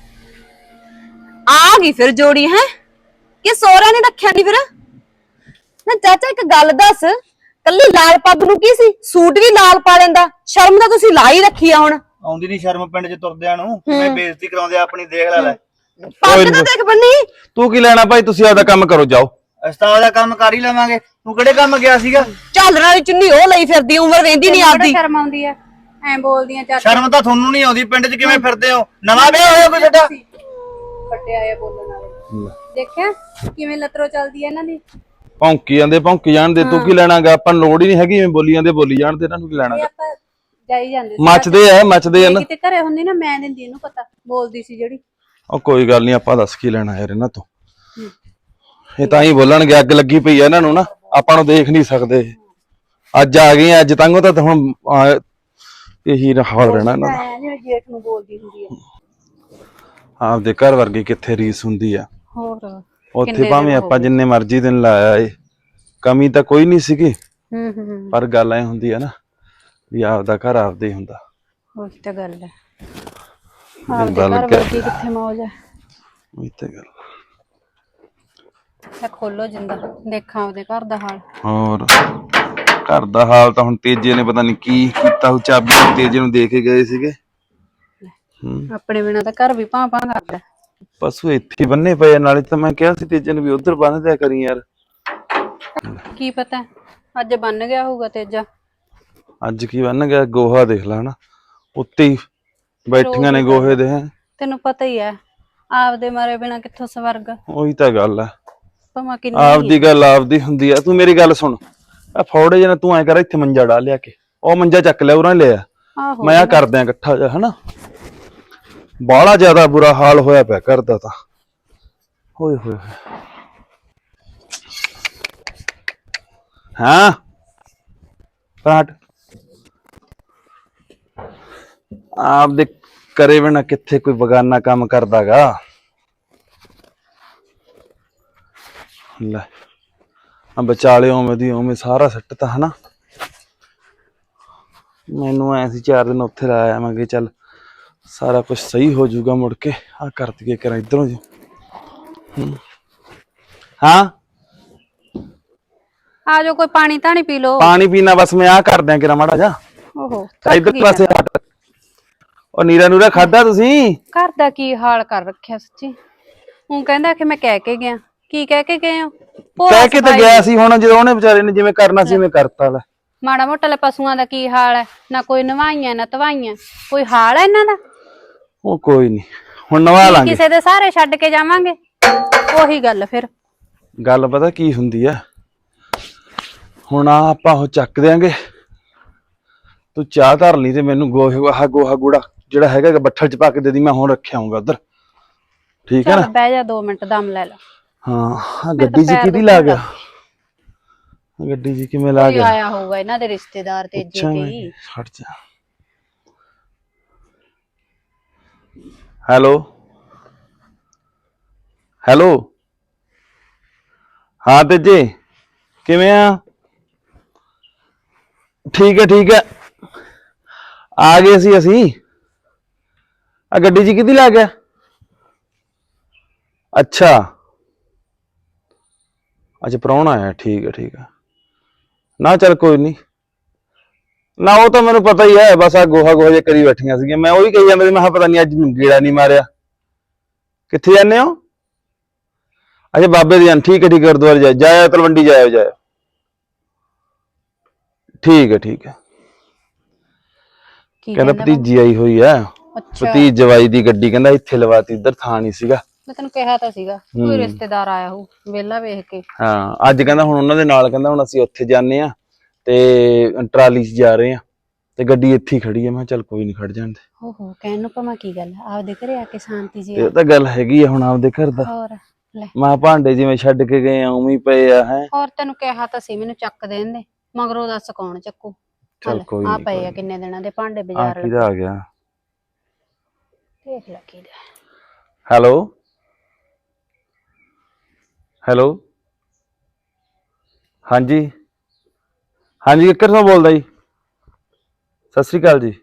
ਆ ਗਈ ਫਿਰ ਜੋੜੀ ਹੈ ਕਿ ਸੋਹਰਾ ਨੇ ਰੱਖਿਆ ਨਹੀਂ ਫਿਰ? ਨਾ ਚਾਚਾ ਇੱਕ ਗੱਲ ਦੱਸ, ਕੱਲੀ ਲਾਲ ਪੱਗ ਨੂੰ ਕੀ ਸੀ, ਸੂਟ ਵੀ ਲਾਲ ਪਾ ਲੈਂਦਾ, ਸ਼ਰਮ ਤਾਂ ਤੁਸੀਂ ਲਾ ਹੀ ਰੱਖੀ ਆ ਹੁਣ।
ਆਉਂਦੀ ਨਹੀਂ ਸ਼ਰਮ ਪਿੰਡ 'ਚ ਤੁਰਦਿਆਂ ਨੂੰ, ਕਿਵੇਂ ਬੇਇੱਜ਼ਤੀ ਕਰਾਉਂਦੇ ਆ ਆਪਣੀ, ਦੇਖ ਲੈ।
ਪੱਗ ਤਾਂ ਦੇਖ ਬੰਨੀ।
ਤੂੰ ਕੀ ਲੈਣਾ ਭਾਈ, ਤੁਸੀਂ ਆਪਦਾ ਕੰਮ ਕਰੋ, ਜਾਓ।
ਅਸਤਾਵ ਦਾ ਕੰਮ ਕਰ ਹੀ ਲਵਾਂਗੇ, ਤੂੰ ਕਿਹੜੇ ਕੰਮ ਗਿਆ ਸੀਗਾ?
ਝਾਲਣ ਵਾਲੀ ਚੁੰਨੀ ਉਹ ਲਈ ਫਿਰਦੀ, ਉਮਰ ਵੇਂਦੀ ਨਹੀਂ ਆਪਦੀ।
ਸ਼ਰਮ ਆਉਂਦੀ ਐ ਐ ਬੋਲਦੀਆਂ ਚਾਚਾ।
ਸ਼ਰਮ ਤਾਂ ਤੁਹਾਨੂੰ ਨਹੀਂ ਆਉਂਦੀ, ਪਿੰਡ 'ਚ ਕਿਵੇਂ ਫਿਰਦੇ ਹੋ? ਨਵਾਂ ਵਿਆਹ ਹੋਇਆ ਕੋਈ ਤੁਹਾਡਾ?
ਵੱਡੇ ਆਏ ਬੋਲਣ ਵਾਲੇ, ਦੇਖਿਆ ਕਿਵੇਂ ਲੱਤਰੋ ਚੱਲਦੀ ਐ ਇਹਨਾਂ ਦੀ।
ਭੌਂਕੀ ਜਾਂਦੇ, ਭੌਂਕੀ ਜਾਣ ਦੇ, ਤੂੰ ਕੀ ਲੈਣਾਗਾ? ਆਪਾਂ ਨੂੰ ਲੋੜ ਹੀ ਨਹੀਂ ਹੈਗੀ, ਐਵੇਂ ਬੋਲੀ ਜਾਂਦੇ, ਬੋਲੀ ਜਾਣ ਦੇ, ਇਹਨਾਂ ਨੂੰ ਕੀ ਲੈਣਾ?
ਇਹ ਆਪਾਂ ਜਾਈ ਜਾਂਦੇ ਸੀ।
ਮੱਚਦੇ ਆ, ਮੱਚਦੇ ਆ ਨਾ।
ਕਿਤੇ ਘਰੇ ਹੁੰਦੀ ਨਾ, ਮੈਂ ਦਿੰਦੀ ਇਹਨੂੰ ਪਤਾ, ਬੋਲਦੀ ਸੀ ਜਿਹੜੀ।
ਉਹ ਕੋਈ ਗੱਲ ਨਹੀਂ, ਆਪਾਂ ਦੱਸ ਕੀ ਲੈਣਾ ਯਾਰ ਇਹਨਾਂ ਤੋਂ। ਇਹ ਤਾਂ ਹੀ ਬੋਲਣਗੇ, ਅੱਗ ਲੱਗੀ ਪਈ ਆ ਇਹਨਾਂ ਨੂੰ ਨਾ, ਆਪਾਂ ਨੂੰ ਦੇਖ ਨਹੀਂ ਸਕਦੇ। ਅੱਜ ਆ ਗਏ, ਅੱਜ ਤੰਗੋ ਤਾਂ ਹੁਣ ਇਹੀ ਹਾਲ ਰਹਿਣਾ ਇਹਨਾਂ ਦਾ।
ਐ ਜਿਵੇਂ ਜੇਠ ਨੂੰ ਬੋਲਦੀ ਹੁੰਦੀ ਐ।
ਆਪਦੇ ਘਰ ਵਰਗੀ ਕਿੱਥੇ ਰੀਸ ਹੁੰਦੀ ਆ।
ਹੋਰ
ਉੱਥੇ ਭਾਵੇਂ ਆਪਾਂ ਜਿੰਨੇ ਮਰਜ਼ੀ ਦਿਨ ਲਾਇਆ ਏ, ਕਮੀ ਤਾਂ ਕੋਈ ਨਹੀਂ ਸੀਗੀ, ਪਰ ਗੱਲ ਐ ਹੁੰਦੀ ਆ ਨਾ ਵੀ ਆਪਦਾ ਘਰ ਆਪਦੇ ਹੀ ਹੁੰਦਾ।
ਉਹੀ ਤਾਂ ਗੱਲ ਐ, ਆਪਦੇ ਘਰ ਵਰਗੀ ਕਿੱਥੇ ਮੌਜ ਐ।
ਉਹੀ ਤਾਂ ਗੱਲ।
ਤਾਂ ਖੋਲੋ ਜਿੰਦਾ, ਦੇਖਾਂ ਆਪਦੇ ਘਰ ਦਾ ਹਾਲ।
ਹੋਰ ਘਰ ਦਾ ਹਾਲ ਤਾਂ ਹੁਣ ਤੇਜੇ ਨੇ ਪਤਾ ਨਹੀਂ ਕੀ ਕੀਤਾ, ਉਹ ਚਾਬੀ ਤੇਜੇ ਨੂੰ ਦੇ ਕੇ ਗਏ ਸੀਗੇ।
ਆਪਣੇ ਬਿਨਾਂ ਤਾਂ ਘਰ ਵੀ ਭਾਂ ਭਾਂ ਕਰਦਾ।
ਪਸ਼ੂ ਇੱਥੇ ਬੰਨੇ ਪਏ, ਨਾਲੇ ਤਾਂ ਮੈਂ ਕਿਹਾ ਸੀ ਤੇਜੇ ਨੂੰ ਵੀ ਉਧਰ ਬੰਨ ਦਿਆ ਕਰੀ ਯਾਰ।
ਕੀ ਪਤਾ ਅੱਜ ਬੰਨ ਗਿਆ ਹੋਊਗਾ ਤੇਜਾ।
ਅੱਜ ਕੀ ਬੰਨ ਗਿਆ? ਗੋਹਾ ਦੇਖ ਲਾ ਨਾ, ਉੱਤੇ ਹੀ ਬੈਠੀਆਂ ਨੇ ਗੋਹੇ ਦੇ।
ਤੈਨੂੰ ਪਤਾ ਹੀ ਐ, ਆਪਦੇ ਮਾਰੇ ਬਿਨਾਂ ਕਿੱਥੋਂ ਸਵਰਗ।
ਉਹੀ ਤਾਂ ਗੱਲ ਆ,
ਭਾਵੇਂ ਕਿੰਨੀ
ਆਪਦੀ ਗੱਲ ਆਪਦੀ ਹੁੰਦੀ ਆ। ਤੂੰ ਮੇਰੀ ਗੱਲ ਸੁਣ, ਆ ਫੌੜੇ ਜਿਹੇ ਤੂੰ ਐ ਕਰ, ਇੱਥੇ ਮੰਜਾ ਡਾ ਲਿਆ ਕੇ, ਉਹ ਮੰਜਾ ਚੱਕ ਲਿਆ, ਉਰਾਂ ਲਿਆ,
ਆਹੋ
ਮੈਂ ਆ ਕਰਦਿਆਂ ਇਕੱਠਾ ਜਿਹਾ ਹਨਾ। ਬਾਹਲਾ ਜ਼ਿਆਦਾ ਬੁਰਾ ਹਾਲ ਹੋਇਆ ਪਿਆ ਘਰ ਦਾ ਤਾਂ। ਹੋਏ ਹੋਏ ਹਾਂ ਪਾਟ ਆਪਦੇ ਕਰੇ ਬਿਨਾ ਕਿੱਥੇ ਕੋਈ ਬਗਾਨਾ ਕੰਮ ਕਰਦਾਗਾ। ਲੈ ਆ ਵਿਚਾਲੇ ਉਵੇਂ ਦੀ ਉਵੇਂ ਸਾਰਾ ਸੱਟ ਤਾਂ ਹਨਾ। ਮੈਨੂੰ ਐ ਸੀ 4 ਦਿਨ ਉੱਥੇ ਲਾ ਆਵਾਂਗੇ, ਚੱਲ ਸਾਰਾ ਕੁਝ ਸਹੀ ਹੋ ਜਾਊਗਾ। ਮੁੜ ਕੇ ਆ ਕਰ ਦਈਏ ਕਰਾਂ ਇਧਰੋਂ ਜੀ। ਹਾਂ
ਆ ਜਾਓ, ਕੋਈ ਪਾਣੀ ਧਾਣੀ ਪੀ ਲਓ।
ਪਾਣੀ ਪੀਣਾ ਬਸ ਮੈਂ ਆ ਕਰ ਦਿਆਂ ਕਿਰਾ ਮਾੜਾ ਜਾ।
ਓਹੋ
ਇਧਰ ਪਾਸੇ ਹਟ। ਉਹ ਨੀਰਾ ਨੂਰਾ ਖਾਦਾ ਤੁਸੀਂ?
ਘਰ ਦਾ ਕੀ ਹਾਲ ਕਰ ਰੱਖਿਆ ਸੱਚੀ। ਉਹ ਕਹਿੰਦਾ ਕਿ ਮੈਂ ਕਹਿ ਕੇ ਗਿਆ। ਕੀ ਕਹਿ ਕੇ ਗਏ ਹੋ?
ਕਹਿ ਕੇ ਤਾਂ ਗਿਆ ਸੀ, ਹੁਣ ਜਦੋਂ ਉਹਨੇ ਵਿਚਾਰੇ ਨੇ ਜਿਵੇਂ ਕਰਨਾ ਸੀ ਉਵੇਂ ਕਰਤਾ ਲੈ।
ਮਾੜਾ ਮੋਟਾ ਲੈ ਪਸ਼ੂਆਂ ਦਾ ਕੀ ਹਾਲ ਹੈ, ਨਾ ਕੋਈ ਨਵਾਈਆਂ ਨਾ ਧਵਾਈਆਂ, ਕੋਈ ਹਾਲ ਹੈ ਇਹਨਾਂ ਦਾ?
ਉਹ ਕੋਈ ਨਹੀਂ, ਹੁਣ ਨਵਾ ਲਾਂਗੇ।
ਕਿਸੇ ਦੇ ਸਾਰੇ ਛੱਡ ਕੇ ਜਾਵਾਂਗੇ, ਉਹੀ ਗੱਲ ਫਿਰ।
ਗੱਲ ਪਤਾ ਕੀ ਹੁੰਦੀ ਆ, ਹੁਣ ਆ ਆਪਾਂ ਉਹ ਚੱਕ ਦਿਆਂਗੇ, ਤੂੰ ਚਾਹ ਧਰ ਲਈ ਤੇ ਮੈਨੂੰ ਗੋਹਾ ਗੂੜਾ ਜਿਹੜਾ ਹੈਗਾ ਬੱਠਲ ਚ ਪਾ ਕੇ ਦੇ ਦੀ, ਮੈਂ ਹੁਣ ਰੱਖਿਆ ਆਉਂਗਾ ਉਧਰ। ਠੀਕ ਹੈ ਨਾ?
ਬਹਿ ਜਾ 2 ਮਿੰਟ ਦਮ ਲੈ ਲਾ।
ਹਾਂ ਗੱਡੀ ਜੀ ਕਿਹਦੀ ਲਾ ਗਿਆ? ਗੱਡੀ ਜੀ ਕਿਵੇਂ ਲਾ ਗਿਆ?
ਆਇਆ ਹੋਊਗਾ ਇਹਨਾਂ ਦੇ ਰਿਸ਼ਤੇਦਾਰ ਤੇਜੇ ਕੇ ਹੀ।
ਹਟ ਜਾ। ਹੈਲੋ ਹੈਲੋ, ਹਾਂ ਤੇਜੇ ਕਿਵੇਂ ਆ? ਠੀਕ ਹੈ ਆ ਗਏ ਸੀ ਅਸੀਂ। ਆ ਗੱਡੀ ਜੀ ਕਿਹਦੀ ਲਾ ਗਿਆ? ਅੱਛਾ ਪ੍ਰਾਹੁਣਾ ਆਇਆ, ਠੀਕ ਹੈ ਨਾ, ਚੱਲ ਕੋਈ ਨਹੀਂ ਨਾ, ਉਹ ਤਾਂ ਮੈਨੂੰ ਪਤਾ ਹੀ ਹੈ। ਬਸ ਆ ਗੋਹਾ ਜੇ ਕਰੀ ਬੈਠੀਆਂ ਸੀਗੀਆਂ, ਮੈਂ ਉਹੀ ਕਹੀ ਜਾਂਦਾ ਸੀ, ਮੈਂ ਕਿਹਾ ਪਤਾ ਨਹੀਂ ਅੱਜ ਗੇੜਾ ਨਹੀਂ ਮਾਰਿਆ, ਕਿੱਥੇ ਜਾਂਦੇ ਹੋ? ਅੱਛਾ ਬਾਬੇ ਦੀ ਜਾਨ, ਠੀਕ ਹੈ ਗੁਰਦੁਆਰੇ ਜਾਇਆ ਤਲਵੰਡੀ ਜਾਇਆ। ਠੀਕ ਹੈ
ਕੀ
ਕਹਿੰਦਾ
ਕਹਿੰਦਾ
ਭਤੀਜੀ ਆਈ ਹੋਈ ਆ,
ਅੱਛਾ
ਭਤੀਜ ਜਵਾਈ ਦੀ ਗੱਡੀ ਕਹਿੰਦਾ ਇੱਥੇ ਲਵਾਤੀ, ਇੱਧਰ ਥਾਂ ਨਹੀਂ ਸੀਗਾ।
ਮੈਂ ਤੈਨੂੰ ਕਿਹਾ ਤਾਂ ਸੀਗਾ ਕੋਈ ਰਿਸ਼ਤੇਦਾਰ ਆਇਆ ਹੋ ਵਿਹਲਾ ਵੇਖ ਕੇ।
ਹਾਂ ਅੱਜ ਕਹਿੰਦਾ ਹੁਣ ਉਹਨਾਂ ਦੇ ਨਾਲ, ਕਹਿੰਦਾ ਹੁਣ ਅਸੀਂ ਉੱਥੇ ਜਾਂਦੇ ਆ ਤੇ ਟਰਾਲੀ 'ਚ ਜਾ ਰਹੇ ਆ ਤੇ ਗੱਡੀ ਇੱਥੇ ਹੀ ਖੜੀ ਆ। ਮੈਂ ਕਿਹਾ ਚੱਲ ਕੋਈ ਨਹੀਂ, ਖੜ ਜਾਂਦੇ।
ਓਹੋ ਕਹਿਣ ਨੂੰ ਭਾਵੇਂ ਕੀ ਗੱਲ ਆ, ਆਪਦੇ ਘਰੇ ਆ ਕੇ ਸ਼ਾਂਤੀ ਜੀ
ਇਹ ਤਾਂ ਗੱਲ ਹੈਗੀ ਆ ਹੁਣ ਆਪਦੇ ਘਰ ਦਾ।
ਹੋਰ ਲੈ
ਮਾਂ ਭਾਂਡੇ ਜਿਵੇਂ ਛੱਡ ਕੇ ਗਏ ਆ ਉਵੇਂ ਹੀ ਪਏ ਆ ਹੈ।
ਹੋਰ ਤੈਨੂੰ ਕਿਹਾ ਤਾਂ ਸੀ ਮੈਨੂੰ ਚੱਕ ਦੇਣ ਦੇ, ਮਗਰੋਂ ਦੱਸ ਕੌਣ ਚੱਕੂ।
ਚੱਲ ਕੋਈ
ਆ
ਨੀ,
ਪਏ
ਕੋਈ
ਆ
ਨੀ।
ਕਿੰਨੇ ਦਿਨਾਂ ਦੇ ਭਾਂਡੇ
ਆ
ਬਾਜ਼ਾਰ
ਕਿਹਦਾ ਆ ਗਿਆ?
ਦੇਖ ਲੈ ਕਿਹਦਾ।
ਹੈਲੋ ਹਾਂਜੀ ਕਿੱਕਰ ਤੋਂ ਬੋਲਦਾ ਜੀ? ਸਤਿ ਸ੍ਰੀ ਅਕਾਲ ਜੀ।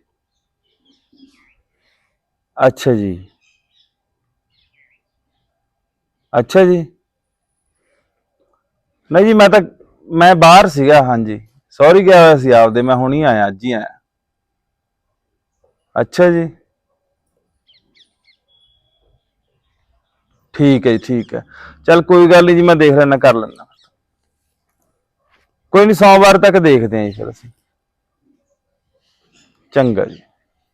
ਅੱਛਾ ਜੀ ਨਹੀਂ ਜੀ ਮੈਂ ਬਾਹਰ ਸੀਗਾ। ਹਾਂਜੀ ਸੌਰੀ ਗਿਆ ਹੋਇਆ ਸੀ ਆਪਦੇ, ਮੈਂ ਹੁਣੀ ਆਇਆ, ਅੱਜ ਹੀ ਆਇਆ। ਅੱਛਾ ਜੀ ਠੀਕ ਹੈ ਚੱਲ ਕੋਈ ਗੱਲ ਨਹੀਂ ਜੀ, ਮੈਂ ਦੇਖ ਲੈਣਾ, ਕਰ ਲੈਣਾ। ਕੋਈ ਨਹੀਂ, ਸੋਮਵਾਰ ਤੱਕ ਦੇਖਦੇ ਆਂ ਜੀ ਫਿਰ ਅਸੀਂ। ਚੰਗਾ ਜੀ।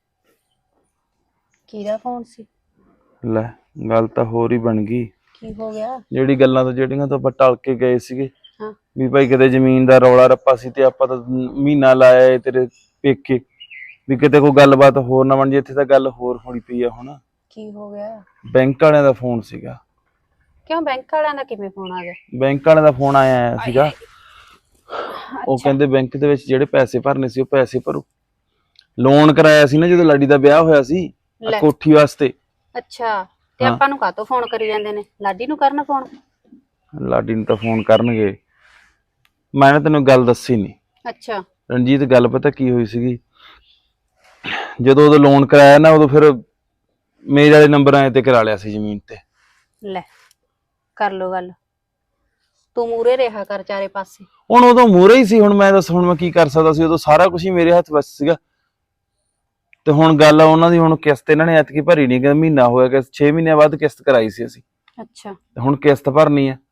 ਕਿਹਦਾ ਫੋਨ ਸੀ?
ਲੈ ਗੱਲ ਤਾਂ ਹੋਰ ਹੀ ਬਣ ਗਈ।
ਕੀ ਹੋ ਗਿਆ?
ਜਿਹੜੀਆਂ ਤੋਂ ਆਪਾਂ ਟਲ ਕੇ ਗਏ ਸੀਗੇ
ਹਾਂ
ਵੀ ਭਾਈ ਕਿਤੇ ਜ਼ਮੀਨ ਦਾ ਰੌਲਾ ਰੱਪਾ ਸੀ ਤੇ ਆਪਾਂ ਤਾਂ ਮਹੀਨਾ ਲਾਇਆ ਏ ਤੇਰੇ ਪੇਕੇ, ਵੀ ਕਿਤੇ ਕੋਈ ਗੱਲਬਾਤ ਹੋਰ ਨਾ ਬਣ ਜੇ। ਇੱਥੇ ਤਾਂ ਗੱਲ ਹੋਰ ਹੋਣੀ ਪਈ ਆ ਹੁਣ।
ਕੀ ਹੋ ਗਿਆ?
ਬੈਂਕ ਵਾਲਿਆਂ ਦਾ ਫੋਨ ਸੀਗਾ।
ਕਿਉਂ ਬੈਂਕ ਵਾਲਿਆਂ ਦਾ ਕਿਵੇਂ ਫੋਨ ਆ ਗਿਆ?
ਬੈਂਕ ਵਾਲਿਆਂ ਦਾ ਫੋਨ ਆਇਆ ਸੀਗਾ। ਉਹ ਕਹਿੰਦੇ ਬੈਂਕ ਦੇ ਵਿੱਚ ਜਿਹੜੇ ਪੈਸੇ ਭਰਨੇ ਸੀ ਉਹ ਪੈਸੇ ਭਰੋ। ਲੋਨ ਕਰਾਇਆ ਸੀ ਨਾ ਜਦੋਂ ਲਾਡੀ ਦਾ ਵਿਆਹ ਹੋਇਆ ਸੀ
ਲੈ।
ਕੋਠੀ ਵਾਸਤੇ।
ਅੱਛਾ ਤੇ
ਹਾਂ।
ਆਪਾਂ ਨੂੰ ਕਾਹਤੋਂ ਫੋਨ ਕਰੀ ਜਾਂਦੇ ਨੇ? ਲਾਡੀ ਨੂੰ ਕਰਨ ਫੋਨ?
ਲਾਡੀ ਨੂੰ ਤਾਂ ਫੋਨ ਕਰਨਗੇ। ਮੈਂ ਨਾ ਤੈਨੂੰ ਗੱਲ ਦੱਸੀ ਨਹੀਂ
ਅੱਛਾ
ਰਣਜੀਤ, ਗੱਲ ਪਤਾ ਕੀ ਹੋਈ ਸੀਗੀ? ਜਦੋਂ ਉਦੋਂ ਲੋਨ ਕਰਾਇਆ ਨਾ, ਉਦੋਂ ਫਿਰ ਮੇਰੇ ਵਾਲੇ ਨੰਬਰਾਂ ਤੇ ਕਰਾ ਲਿਆ ਸੀ ਜ਼ਮੀਨ ਤੇ।
ਲੈ ਕਰ ਲੋ ਗੱਲ, ਤੂੰ ਮੂਰੇ ਰਿਹਾ ਕਰ ਚਾਰੇ ਪਾਸੇ।
ਹੁਣ ਉਦੋਂ ਮੂਹਰੇ ਹੀ ਸੀ, ਹੁਣ ਮੈਂ ਦੱਸ ਹੁਣ ਮੈਂ ਕੀ ਕਰ ਸਕਦਾ ਸੀ? ਉਦੋਂ ਸਾਰਾ ਕੁਝ ਹੀ ਮੇਰੇ ਹੱਥ ਵਿੱਚ ਸੀਗਾ। ਤੇ ਹੁਣ ਗੱਲ ਆ ਉਹਨਾਂ ਦੀ, ਹੁਣ ਕਿਸ਼ਤ ਇਹਨਾਂ ਨੇ ਐਤਕੀ ਭਰੀ ਨਹੀਂ, ਕਿ ਮਹੀਨਾ ਹੋਇਆ ਕਿ 6 ਮਹੀਨਿਆਂ ਬਾਅਦ ਕਿਸ਼ਤ ਕਰਾਈ ਸੀ ਅਸੀਂ।
ਅੱਛਾ
ਤੇ ਹੁਣ ਕਿਸ਼ਤ ਭਰਨੀ ਆ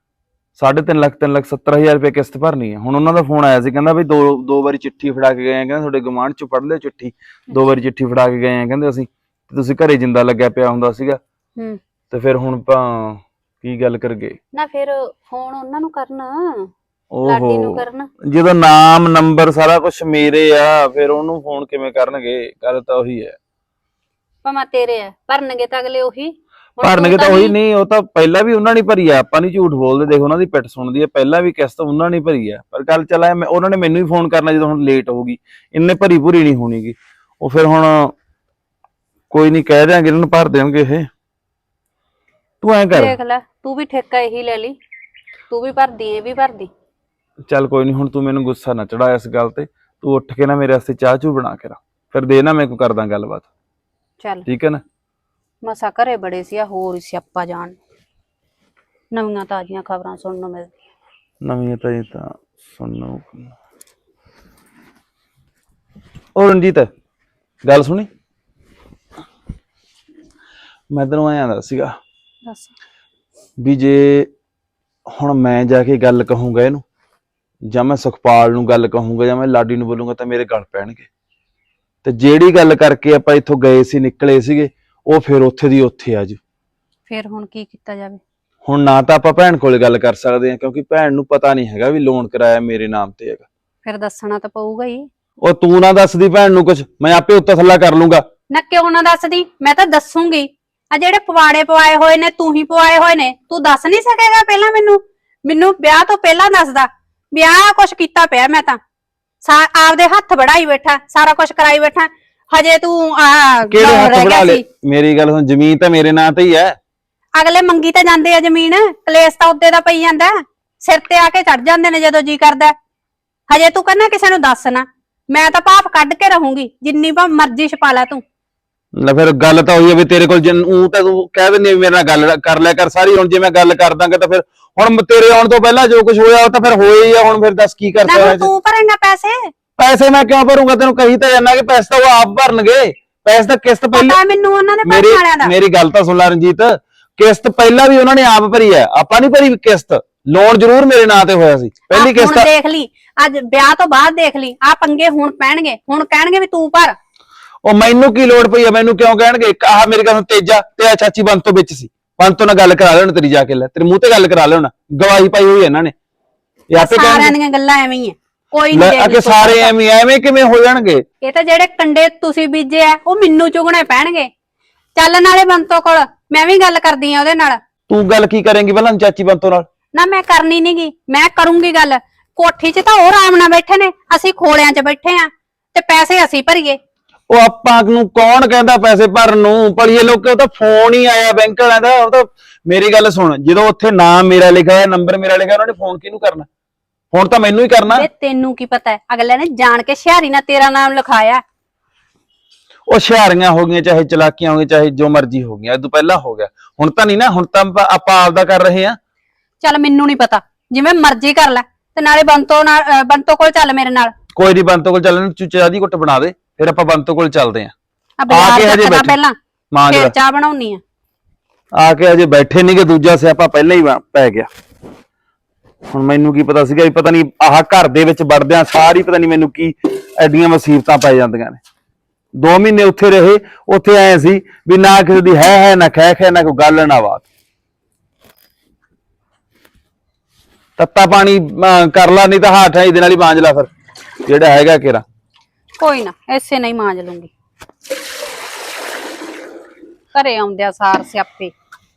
3,70,000 ਰੁਪਏ ਕਿਸ਼ਤ ਭਰਨੀ ਆ। ਹੁਣ ਉਹਨਾਂ ਦਾ ਫੋਨ ਆਇਆ ਸੀ, ਕਹਿੰਦਾ ਵੀ ਦੋ ਵਾਰੀ ਚਿੱਠੀ ਫੜਾ ਕੇ ਗਏ ਆ, ਕਹਿੰਦਾ ਤੁਹਾਡੇ ਗੁਆਂਢ ਚ ਪੜ੍ਹ ਲਿਓ ਚਿੱਠੀ, 2 ਵਾਰੀ ਚਿੱਠੀ ਫੜਾ ਕੇ ਗਏ ਆ ਕਹਿੰਦੇ ਅਸੀਂ, ਤੇ ਤੁਸੀਂ ਘਰੇ ਜਿੰਦਾ ਲੱਗਿਆ ਪਿਆ ਹੁੰਦਾ ਸੀਗਾ। ਤੇ ਫਿਰ ਹੁਣ ਆਪਾਂ ਕੀ ਗੱਲ ਕਰਗੇ?
ਨਾ ਫਿਰ ਫੋਨ ਉਹਨਾਂ ਨੂੰ ਕਰਨਾ, ਲਾਡੀ ਨੂੰ ਕਰਨਾ।
ਜਦੋਂ ਨਾਮ ਨੰਬਰ ਸਾਰਾ ਕੁਝ ਮੇਰੇ ਆ, ਫਿਰ ਉਹਨੂੰ ਫੋਨ ਕਿਵੇਂ ਕਰਨਗੇ? ਗੱਲ ਤਾਂ ਉਹੀ ਹੈ।
ਭਾਵੇਂ ਤੇਰੇ ਆ, ਭਰਨਗੇ ਤਾਂ ਅਗਲੇ ਉਹੀ।
ਭਰਨਗੇ ਤਾਂ ਉਹੀ ਨਹੀਂ, ਉਹ ਤਾਂ ਪਹਿਲਾਂ ਵੀ ਉਹਨਾਂ ਨੇ ਭਰੀ ਆ, ਆਪਾਂ ਨਹੀਂ ਝੂਠ ਬੋਲਦੇ। ਦੇਖ ਉਹਨਾਂ ਦੀ ਪਿੱਠ ਸੁਣਦੀ ਹੈ, ਪਹਿਲਾਂ ਵੀ ਕਿਸ਼ਤ ਉਹਨਾਂ ਨੇ ਭਰੀ ਆ। ਪਰ ਗੱਲ ਚੱਲ ਉਹਨਾਂ ਨੇ ਮੈਨੂੰ ਹੀ ਫੋਨ ਕਰਨਾ ਜਦੋਂ ਹੁਣ ਲੇਟ ਹੋ ਗਈ, ਇੰਨੇ ਭਰੀ ਨਹੀਂ ਹੋਣੀਗੀ ਉਹ। ਫਿਰ ਹੁਣ ਕੋਈ ਨਹੀਂ, ਕਹਿ ਦਿਆਂਗੇ ਇਹਨਾਂ ਨੂੰ, ਭਰ ਦੇਣਗੇ ਇਹ। ਤੂੰ ਐਂ ਕਰ,
ਦੇਖ ਲੈ ਤੂੰ ਵੀ ਠੇਕਾ ਇਹੀ ਲੈ ਲਈ, ਤੂੰ ਵੀ ਭਰਦੀ ਇਹ ਵੀ ਭਰਦੀ।
ਚੱਲ ਕੋਈ ਨਹੀਂ, ਹੁਣ ਤੂੰ ਮੈਨੂੰ ਗੁੱਸਾ ਨਾ ਚੜਾ ਇਸ ਗੱਲ ਤੇ। ਤੂੰ ਉੱਠ ਕੇ ਨਾ ਮੇਰੇ ਵਾਸਤੇ ਚਾਹ ਚੂ ਬਣਾ ਕੇ ਰੱਖ, ਫਿਰ ਦੇ ਨਾ, ਮੈਂ ਕੋਈ ਕਰਦਾ ਗੱਲਬਾਤ।
ਚੱਲ
ਠੀਕ ਹੈ ਨਾ?
ਮਸਾ ਘਰੇ ਬੜੇ ਸੀ, ਆ ਹੋਰ ਹੀ ਸਿਆਪਾ ਜਾਣ। ਨਵੀਆਂ ਤਾਜ਼ੀਆਂ ਖਬਰਾਂ ਸੁਣਨ ਨੂੰ ਮਿਲਦੀਆਂ।
ਨਵੀਆਂ ਤਾਂ ਸੁਣੋ। ਉਹ ਰਣਜੀਤ ਗੱਲ ਸੁਣੀ, ਮੈਂ ਤੈਨੂੰ ਐਂ ਆਂਦਾ ਸੀਗਾ
ਦੱਸ।
ਵੀ ਜੇ ਹੁਣ ਮੈਂ ਜਾ ਕੇ ਗੱਲ ਕਹੂੰਗਾ ਇਹਨੂੰ, ਜਾਂ ਮੈਂ ਸੁਖਪਾਲ ਨੂੰ ਗੱਲ ਕਹੂੰਗਾ, ਜਾਂ ਮੈਂ ਲਾਡੀ ਨੂੰ ਬੋਲੂੰਗਾ, ਤਾਂ ਮੇਰੇ ਗਲ ਪੈਣਗੇ। ਤੇ ਜਿਹੜੀ ਗੱਲ ਕਰਕੇ ਆਪਾਂ ਇੱਥੋਂ ਗਏ ਸੀ, ਨਿਕਲੇ ਸੀਗੇ, ਉਹ ਫਿਰ ਉੱਥੇ ਦੀ ਉੱਥੇ ਆ ਜੂ।
ਫਿਰ ਹੁਣ ਕੀ ਕੀਤਾ ਜਾਵੇ?
ਹੁਣ ਨਾ ਤਾਂ ਆਪਾਂ ਭੈਣ ਕੋਲੇ ਗੱਲ ਕਰ ਸਕਦੇ ਹਾਂ, ਕਿਉਂਕਿ ਭੈਣ ਨੂੰ ਪਤਾ ਨਹੀਂ ਹੈਗਾ ਵੀ ਲੋਨ ਕਰਾਇਆ ਮੇਰੇ ਨਾਮ ਤੇ ਹੈਗਾ।
ਫਿਰ ਦੱਸਣਾ ਤਾਂ ਪਊਗਾ ਹੀ।
ਉਹ ਤੂੰ ਨਾ ਦੱਸਦੀ ਭੈਣ ਨੂੰ ਕੁਝ, ਮੈਂ ਆਪੇ ਉੱਤੇ ਥੱਲਾ ਕਰ ਲੂੰਗਾ।
ਨਾ ਕਿਉਂ ਨਾ ਦੱਸਦੀ, ਮੈਂ ਤਾਂ ਦੱਸੂਗੀ। ਆ ਜਿਹੜੇ ਪਵਾੜੇ ਪਵਾਏ ਹੋਏ ਨੇ ਤੂੰ ਹੀ ਪਵਾਏ ਹੋਏ ਨੇ, ਤੂੰ ਦੱਸ ਨਹੀਂ ਸਕੇਗਾ ਪਹਿਲਾਂ? ਮੈਨੂੰ ਵਿਆਹ ਤੋਂ ਪਹਿਲਾਂ ਦੱਸਦਾ ਵੀ ਆਹ ਕੁਛ ਕੀਤਾ ਪਿਆ। ਮੈਂ ਤਾਂ ਆਪਦੇ ਹੱਥ ਵੜਾਈ ਬੈਠਾ, ਸਾਰਾ ਕੁਛ ਕਰਾਈ ਬੈਠਾ, ਹਜੇ ਤੂੰ
ਕਿਹੜੇ ਹੱਥ ਵੜਾ ਲੈ? ਮੇਰੀ ਗੱਲ ਸੁਣ, ਜ਼ਮੀਨ ਤਾਂ ਮੇਰੇ ਨਾਂ ਤੇ ਹੀ ਹੈ।
ਅਗਲੇ ਮੰਗੀ ਤਾਂ ਜਾਂਦੇ ਆ ਜ਼ਮੀਨ, ਕਲੇਸ਼ ਤਾਂ ਉੱਤੇ ਦਾ ਪਈ ਜਾਂਦਾ, ਸਿਰ ਤੇ ਆ ਕੇ ਚੜ ਜਾਂਦੇ ਨੇ ਜਦੋਂ ਜੀ ਕਰਦਾ। ਹਜੇ ਤੂੰ ਕਹਿੰਦਾ ਕਿਸੇ ਨੂੰ ਦੱਸ ਨਾ, ਮੈਂ ਤਾਂ ਭਾਫ ਕੱਢ ਕੇ ਰਹੂੰਗੀ, ਜਿੰਨੀ ਮਰਜ਼ੀ ਛਪਾ ਲੈ ਤੂੰ।
ਲੈ ਫਿਰ ਗੱਲ ਤਾਂ ਹੋਈ ਹੈ ਵੀ ਤੇਰੇ ਕੋਲ ਤਾਂ ਤੂੰ ਕਹਿ ਦਿੰਦੀ ਮੇਰੇ ਨਾਲ ਗੱਲ ਕਰ ਲਿਆ ਕਰ ਸਾਰੀ। ਹੁਣ ਜੇ ਮੈਂ ਗੱਲ ਕਰ ਦਾਂਗਾ ਤਾਂ ਫਿਰ ਹੁਣ ਤੇਰੇ ਆਉਣ ਤੋਂ ਪਹਿਲਾਂ ਜੋ ਕੁਝ ਹੋਇਆ ਉਹ ਤਾਂ ਫਿਰ ਹੋਇਆ ਹੀ ਆ। ਹੁਣ ਫਿਰ ਦੱਸ ਕੀ ਕਰ ਸਕਦਾ?
ਤੂੰ ਭਰੇਂਗਾ
ਪੈਸੇ ਮੈਂ ਕਿਉਂ ਭਰੂੰਗਾ? ਤੈਨੂੰ ਕਹੀ ਤਾਂ ਜਾਨਾ ਕਿ ਪੈਸੇ ਤਾਂ ਉਹ ਆਪ ਭਰਨਗੇ। ਪੈਸੇ ਤਾਂ ਕਿਸ਼ਤ ਪਹਿਲਾਂ
ਮੈਨੂੰ ਉਹਨਾਂ ਦੇ ਪੈਸੇ ਵਾਲਿਆਂ ਦਾ।
ਮੇਰੀ ਗੱਲ ਤਾਂ ਸੁਣ ਲੈ ਰਣਜੀਤ, ਕਿਸ਼ਤ ਪਹਿਲਾਂ ਵੀ ਉਹਨਾਂ ਨੇ ਆਪ ਭਰੀ ਹੈ, ਆਪਾਂ ਨਹੀਂ ਭਰੀ ਕਿਸ਼ਤ। ਲੋਨ ਜ਼ਰੂਰ ਮੇਰੇ ਨਾਂ ਤੇ ਹੋਇਆ ਸੀ ਪਹਿਲੀ ਕਿਸ਼ਤ।
ਹੁਣ ਦੇਖ ਲਈ, ਅੱਜ ਵਿਆਹ ਤੋਂ ਬਾਅਦ ਦੇਖ ਲਈ, ਆ ਪੰਗੇ ਹੁਣ ਪੈਣਗੇ, ਹੁਣ ਕਹਿਣਗੇ ਵੀ ਤੂੰ ਭਰ।
ਉਹ ਮੈਨੂੰ ਕੀ ਲੋੜ ਪਈ ਆ, ਮੈਨੂੰ ਕਿਉਂ ਕਹਿਣਗੇ? ਆਹ ਮੇਰੇ ਕੋਲ ਤੇਜਾ ਤੇ ਆ ਚਾਚੀ ਬੰਤੋਂ ਵਿੱਚ ਸੀ, ਬੰਤੋਂ ਨਾਲ ਗੱਲ ਕਰਾ ਲੈਣ ਤੇਰੀ, ਜਾ ਕੇ ਲੈ ਤੇਰੇ ਮੂੰਹ ਤੇ ਗੱਲ ਕਰਾ ਲੈਣ, ਗਵਾਹੀ ਪਾਈ ਹੋਈ ਇਹਨਾਂ ਨੇ। ਇਹ ਆਪੇ
ਸਾਰਿਆਂ
ਕਹਿਣਗੇ
ਦੀਆਂ ਗੱਲਾਂ ਐਵੇਂ ਹੀ ਆ, ਕੋਈ
ਲੈ
ਨਹੀਂ
ਅਕੇ ਸਾਰੇ ਐਵੇਂ ਕਿਵੇਂ ਹੋ ਜਾਣਗੇ?
ਇਹ ਤਾਂ ਜਿਹੜੇ ਕੰਡੇ ਤੁਸੀਂ ਬੀਜੇ ਆ ਉਹ ਮੈਨੂੰ ਚੁਗਣੇ ਪੈਣਗੇ। ਚੱਲ ਨਾਲੇ ਬੰਤੋ ਕੋਲ, ਮੈਂ ਵੀ ਗੱਲ ਕਰਦੀ ਆ ਉਹਦੇ ਨਾਲ।
ਤੂੰ ਗੱਲ ਕੀ ਕਰੇਂਗੀ ਪਹਿਲਾਂ ਚਾਚੀ ਬੰਤੋਂ ਨਾਲ?
ਨਾ ਮੈਂ ਕਰਨੀ ਨੀਗੀ, ਮੈਂ ਕਰੂੰਗੀ ਗੱਲ। ਕੋਠੀ 'ਚ ਤਾਂ ਉਹ ਆਰਾਮ ਨਾਲ ਬੈਠੇ ਨੇ, ਅਸੀਂ ਖੋਲਿਆਂ 'ਚ ਬੈਠੇ ਆ ਤੇ ਪੈਸੇ ਅਸੀਂ ਭਰੀਏ।
ਉਹ ਆਪਾਂ ਨੂੰ ਕੌਣ ਕਹਿੰਦਾ ਪੈਸੇ ਭਰਨ ਨੂੰ? ਪੜੀਏ ਲੋਕੇ, ਉਹ ਤਾਂ ਫੋਨ ਹੀ ਆਇਆ ਬੈਂਕ ਵਾਲਿਆਂ ਦਾ। ਉਹ ਤਾਂ ਮੇਰੀ ਗੱਲ ਸੁਣ, ਜਦੋਂ ਉੱਥੇ ਨਾਮ ਮੇਰਾ ਲਿਖਿਆ ਹੋਇਆ, ਨੰਬਰ ਮੇਰਾ ਲਿਖਿਆ, ਉਹਨਾਂ ਨੇ ਫੋਨ ਕਿਹਨੂੰ ਕਰਨਾ? ਫੋਨ ਤਾਂ ਮੈਨੂੰ ਹੀ ਕਰਨਾ।
ਵੇ ਤੈਨੂੰ ਕੀ ਪਤਾ ਹੈ, ਅਗਲੇ ਨੇ ਜਾਣ ਕੇ ਸ਼ਹਿਰੀ ਨਾਲ ਤੇਰਾ ਨਾਮ ਲਿਖਾਇਆ।
ਉਹ ਹੁਸ਼ਿਆਰੀਆਂ ਹੋ ਗਈਆਂ, ਚਾਹੇ ਚਲਾਕੀਆਂ ਹੋ ਗਈਆਂ, ਚਾਹੇ ਜੋ ਮਰਜ਼ੀ ਹੋ ਗਈਆਂ, ਇਹ ਤੋਂ ਪਹਿਲਾਂ ਹੋ ਗਿਆ। ਹੁਣ ਤਾਂ ਨਹੀਂ ਨਾ, ਹੁਣ ਤਾਂ ਆਪਾਂ ਆਪਦਾ ਕਰ ਰਹੇ ਆ।
ਚੱਲ ਮੈਨੂੰ ਨਹੀਂ ਪਤਾ, ਜਿਵੇਂ ਮਰਜ਼ੀ ਕਰ ਲੈ। ਤੇ ਨਾਲੇ ਬੰਤੋ ਕੋਲ ਚੱਲ ਮੇਰੇ ਨਾਲ।
ਕੋਈ ਨਹੀਂ, ਬੰਤੋ ਕੋਲ ਚੱਲਣ, ਚਾਹ ਦੀ ਘੁੱਟ ਬਣਾ ਦੇ, ਫਿਰ ਆਪਾਂ ਬੰਤੋ ਕੋਲ ਚੱਲਦੇ ਆ।
ਆ ਬਾਜ਼ਾਰ
ਹਜੇ
ਚੱਕਦਾ
ਬੈਠੇ
ਪਹਿਲਾਂ,
ਮਾਂ
ਫਿਰ
ਜਰਾ
ਚਾਹ ਬਣਾਉਣੀ ਆ।
ਆ ਕੇ ਅਜੇ ਬੈਠੇ ਨਹੀਂ ਕਿ ਦੂਜਾ ਸਿਆਪਾ ਪਹਿਲਾਂ ਹੀ ਪੈ ਗਿਆ। ਹੁਣ ਮੈਨੂੰ ਕੀ ਪਤਾ ਸੀਗਾ ਵੀ ਪਤਾ ਨਹੀਂ ਆਹ ਘਰ ਦੇ ਵਿੱਚ ਵੜਦਿਆਂ ਸਾਰੀ ਪਤਾ ਨਹੀਂ ਮੈਨੂੰ ਕੀ ਐਡੀਆਂ ਮੁਸੀਬਤਾਂ ਪੈ ਜਾਂਦੀਆਂ ਨੇ। 2 ਮਹੀਨੇ ਉੱਥੇ ਰਹੇ, ਉੱਥੇ ਆਏ ਸੀ ਵੀ ਨਾ ਕਿਸੇ ਦੀ ਹੈ ਨਾ ਖੈ ਨਾ ਕੋਈ ਗੱਲ ਨਾ ਬਾਤ। ਤੱਤਾ ਪਾਣੀ ਕਰ ਲਾ, ਨਹੀਂ ਤਾਂ ਹਾਠ ਹੈ ਇਹਦੇ ਨਾਲ ਹੀ ਮਾਂਜ ਲਾ ਫਿਰ, ਜਿਹੜਾ ਹੈਗਾ ਕੇਰਾ।
ਕੋਈ ਨਾ, ਐਸੇ ਨਹੀਂ ਮਾਂਜ ਲੂੰਗੀ। ਘਰੇ ਆਉਂਦਿਆ ਸਾਰ ਸਿਆਪੇ।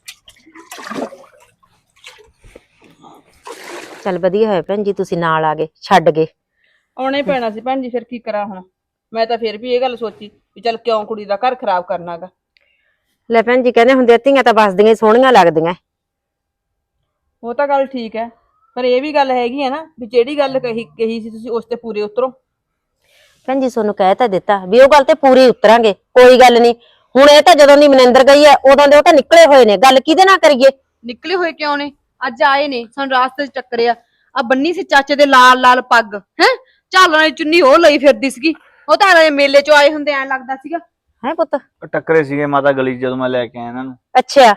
ਚੱਲ ਵਧੀਆ ਹੋਇਆ ਭੈਣ ਜੀ, ਤੁਸੀਂ ਨਾਲ ਆ ਗਏ, ਛੱਡ ਗਏ।
ਆਉਣਾ ਹੀ ਪੈਣਾ ਸੀ ਭੈਣ ਜੀ, ਫਿਰ ਕੀ ਕਰਾਂ ਹੁਣ। ਮੈਂ ਤਾਂ ਫਿਰ ਵੀ ਇਹ ਗੱਲ ਸੋਚੀ ਵੀ ਚੱਲ ਕਿਉਂ ਕੁੜੀ ਦਾ ਘਰ ਖਰਾਬ ਕਰਨਾਗਾ।
ਲੈ ਭੈਣ ਜੀ ਕਹਿੰਦੇ ਹੁੰਦੇ ਧੀਆਂ ਤਾਂ ਵੱਸਦੀਆਂ ਹੀ ਸੋਹਣੀਆਂ ਲੱਗਦੀਆਂ।
ਉਹ ਤਾਂ ਗੱਲ ਠੀਕ ਹੈ, ਪਰ ਇਹ ਵੀ ਗੱਲ ਹੈਗੀ ਹੈ ਨਾ ਵੀ ਜਿਹੜੀ ਗੱਲ ਕਹੀ ਸੀ ਤੁਸੀਂ ਉਸ ਤੇ ਪੂਰੇ ਉਤਰੋ।
ਭੈਣ ਜੀ ਤੁਹਾਨੂੰ ਕਹਿ ਤਾਂ ਦਿੱਤਾ ਵੀ ਉਹ ਗੱਲ ਤੇ ਪੂਰੀ ਉਤਰਾਂਗੇ, ਕੋਈ ਗੱਲ ਨਹੀਂ। ਹੁਣ ਇਹ ਤਾਂ ਜਦੋਂ ਦੀ ਮਨਿੰਦਰ ਗਈ ਹੈ ਉਦੋਂ ਦੇ ਉਹ ਤਾਂ ਨਿਕਲੇ ਹੋਏ ਨੇ, ਗੱਲ ਕਿਹਦੇ ਨਾਲ ਕਰੀਏ?
ਨਿਕਲੇ ਹੋਏ ਕਿਉਂ ਨੇ? ਅੱਜ ਆਏ ਨੇ, ਸਾਨੂੰ ਰਾਸਤੇ 'ਚ ਟੱਕਰਿਆ। ਆ ਬੰਨੀ ਸੀ ਚਾਚੇ ਦੇ ਲਾਲ ਲਾਲ ਪੱਗ, ਹੈ ਝਾਲਣ ਵਾਲੀ ਚੁੰਨੀ ਉਹ ਲਈ ਫਿਰਦੀ ਸੀਗੀ। ਉਹ ਤਾਂ ਐਂ ਮੇਲੇ 'ਚੋਂ ਆਏ ਹੁੰਦੇ, ਐਂ ਲੱਗਦਾ ਸੀਗਾ।
ਹੈ ਪੁੱਤ?
ਟੱਕਰੇ ਸੀਗੇ ਮਾਤਾ ਗਲੀ 'ਚ ਜਦੋਂ ਮੈਂ ਲੈ ਕੇ ਆਇਆ ਇਹਨਾਂ ਨੂੰ।
ਅੱਛਾ,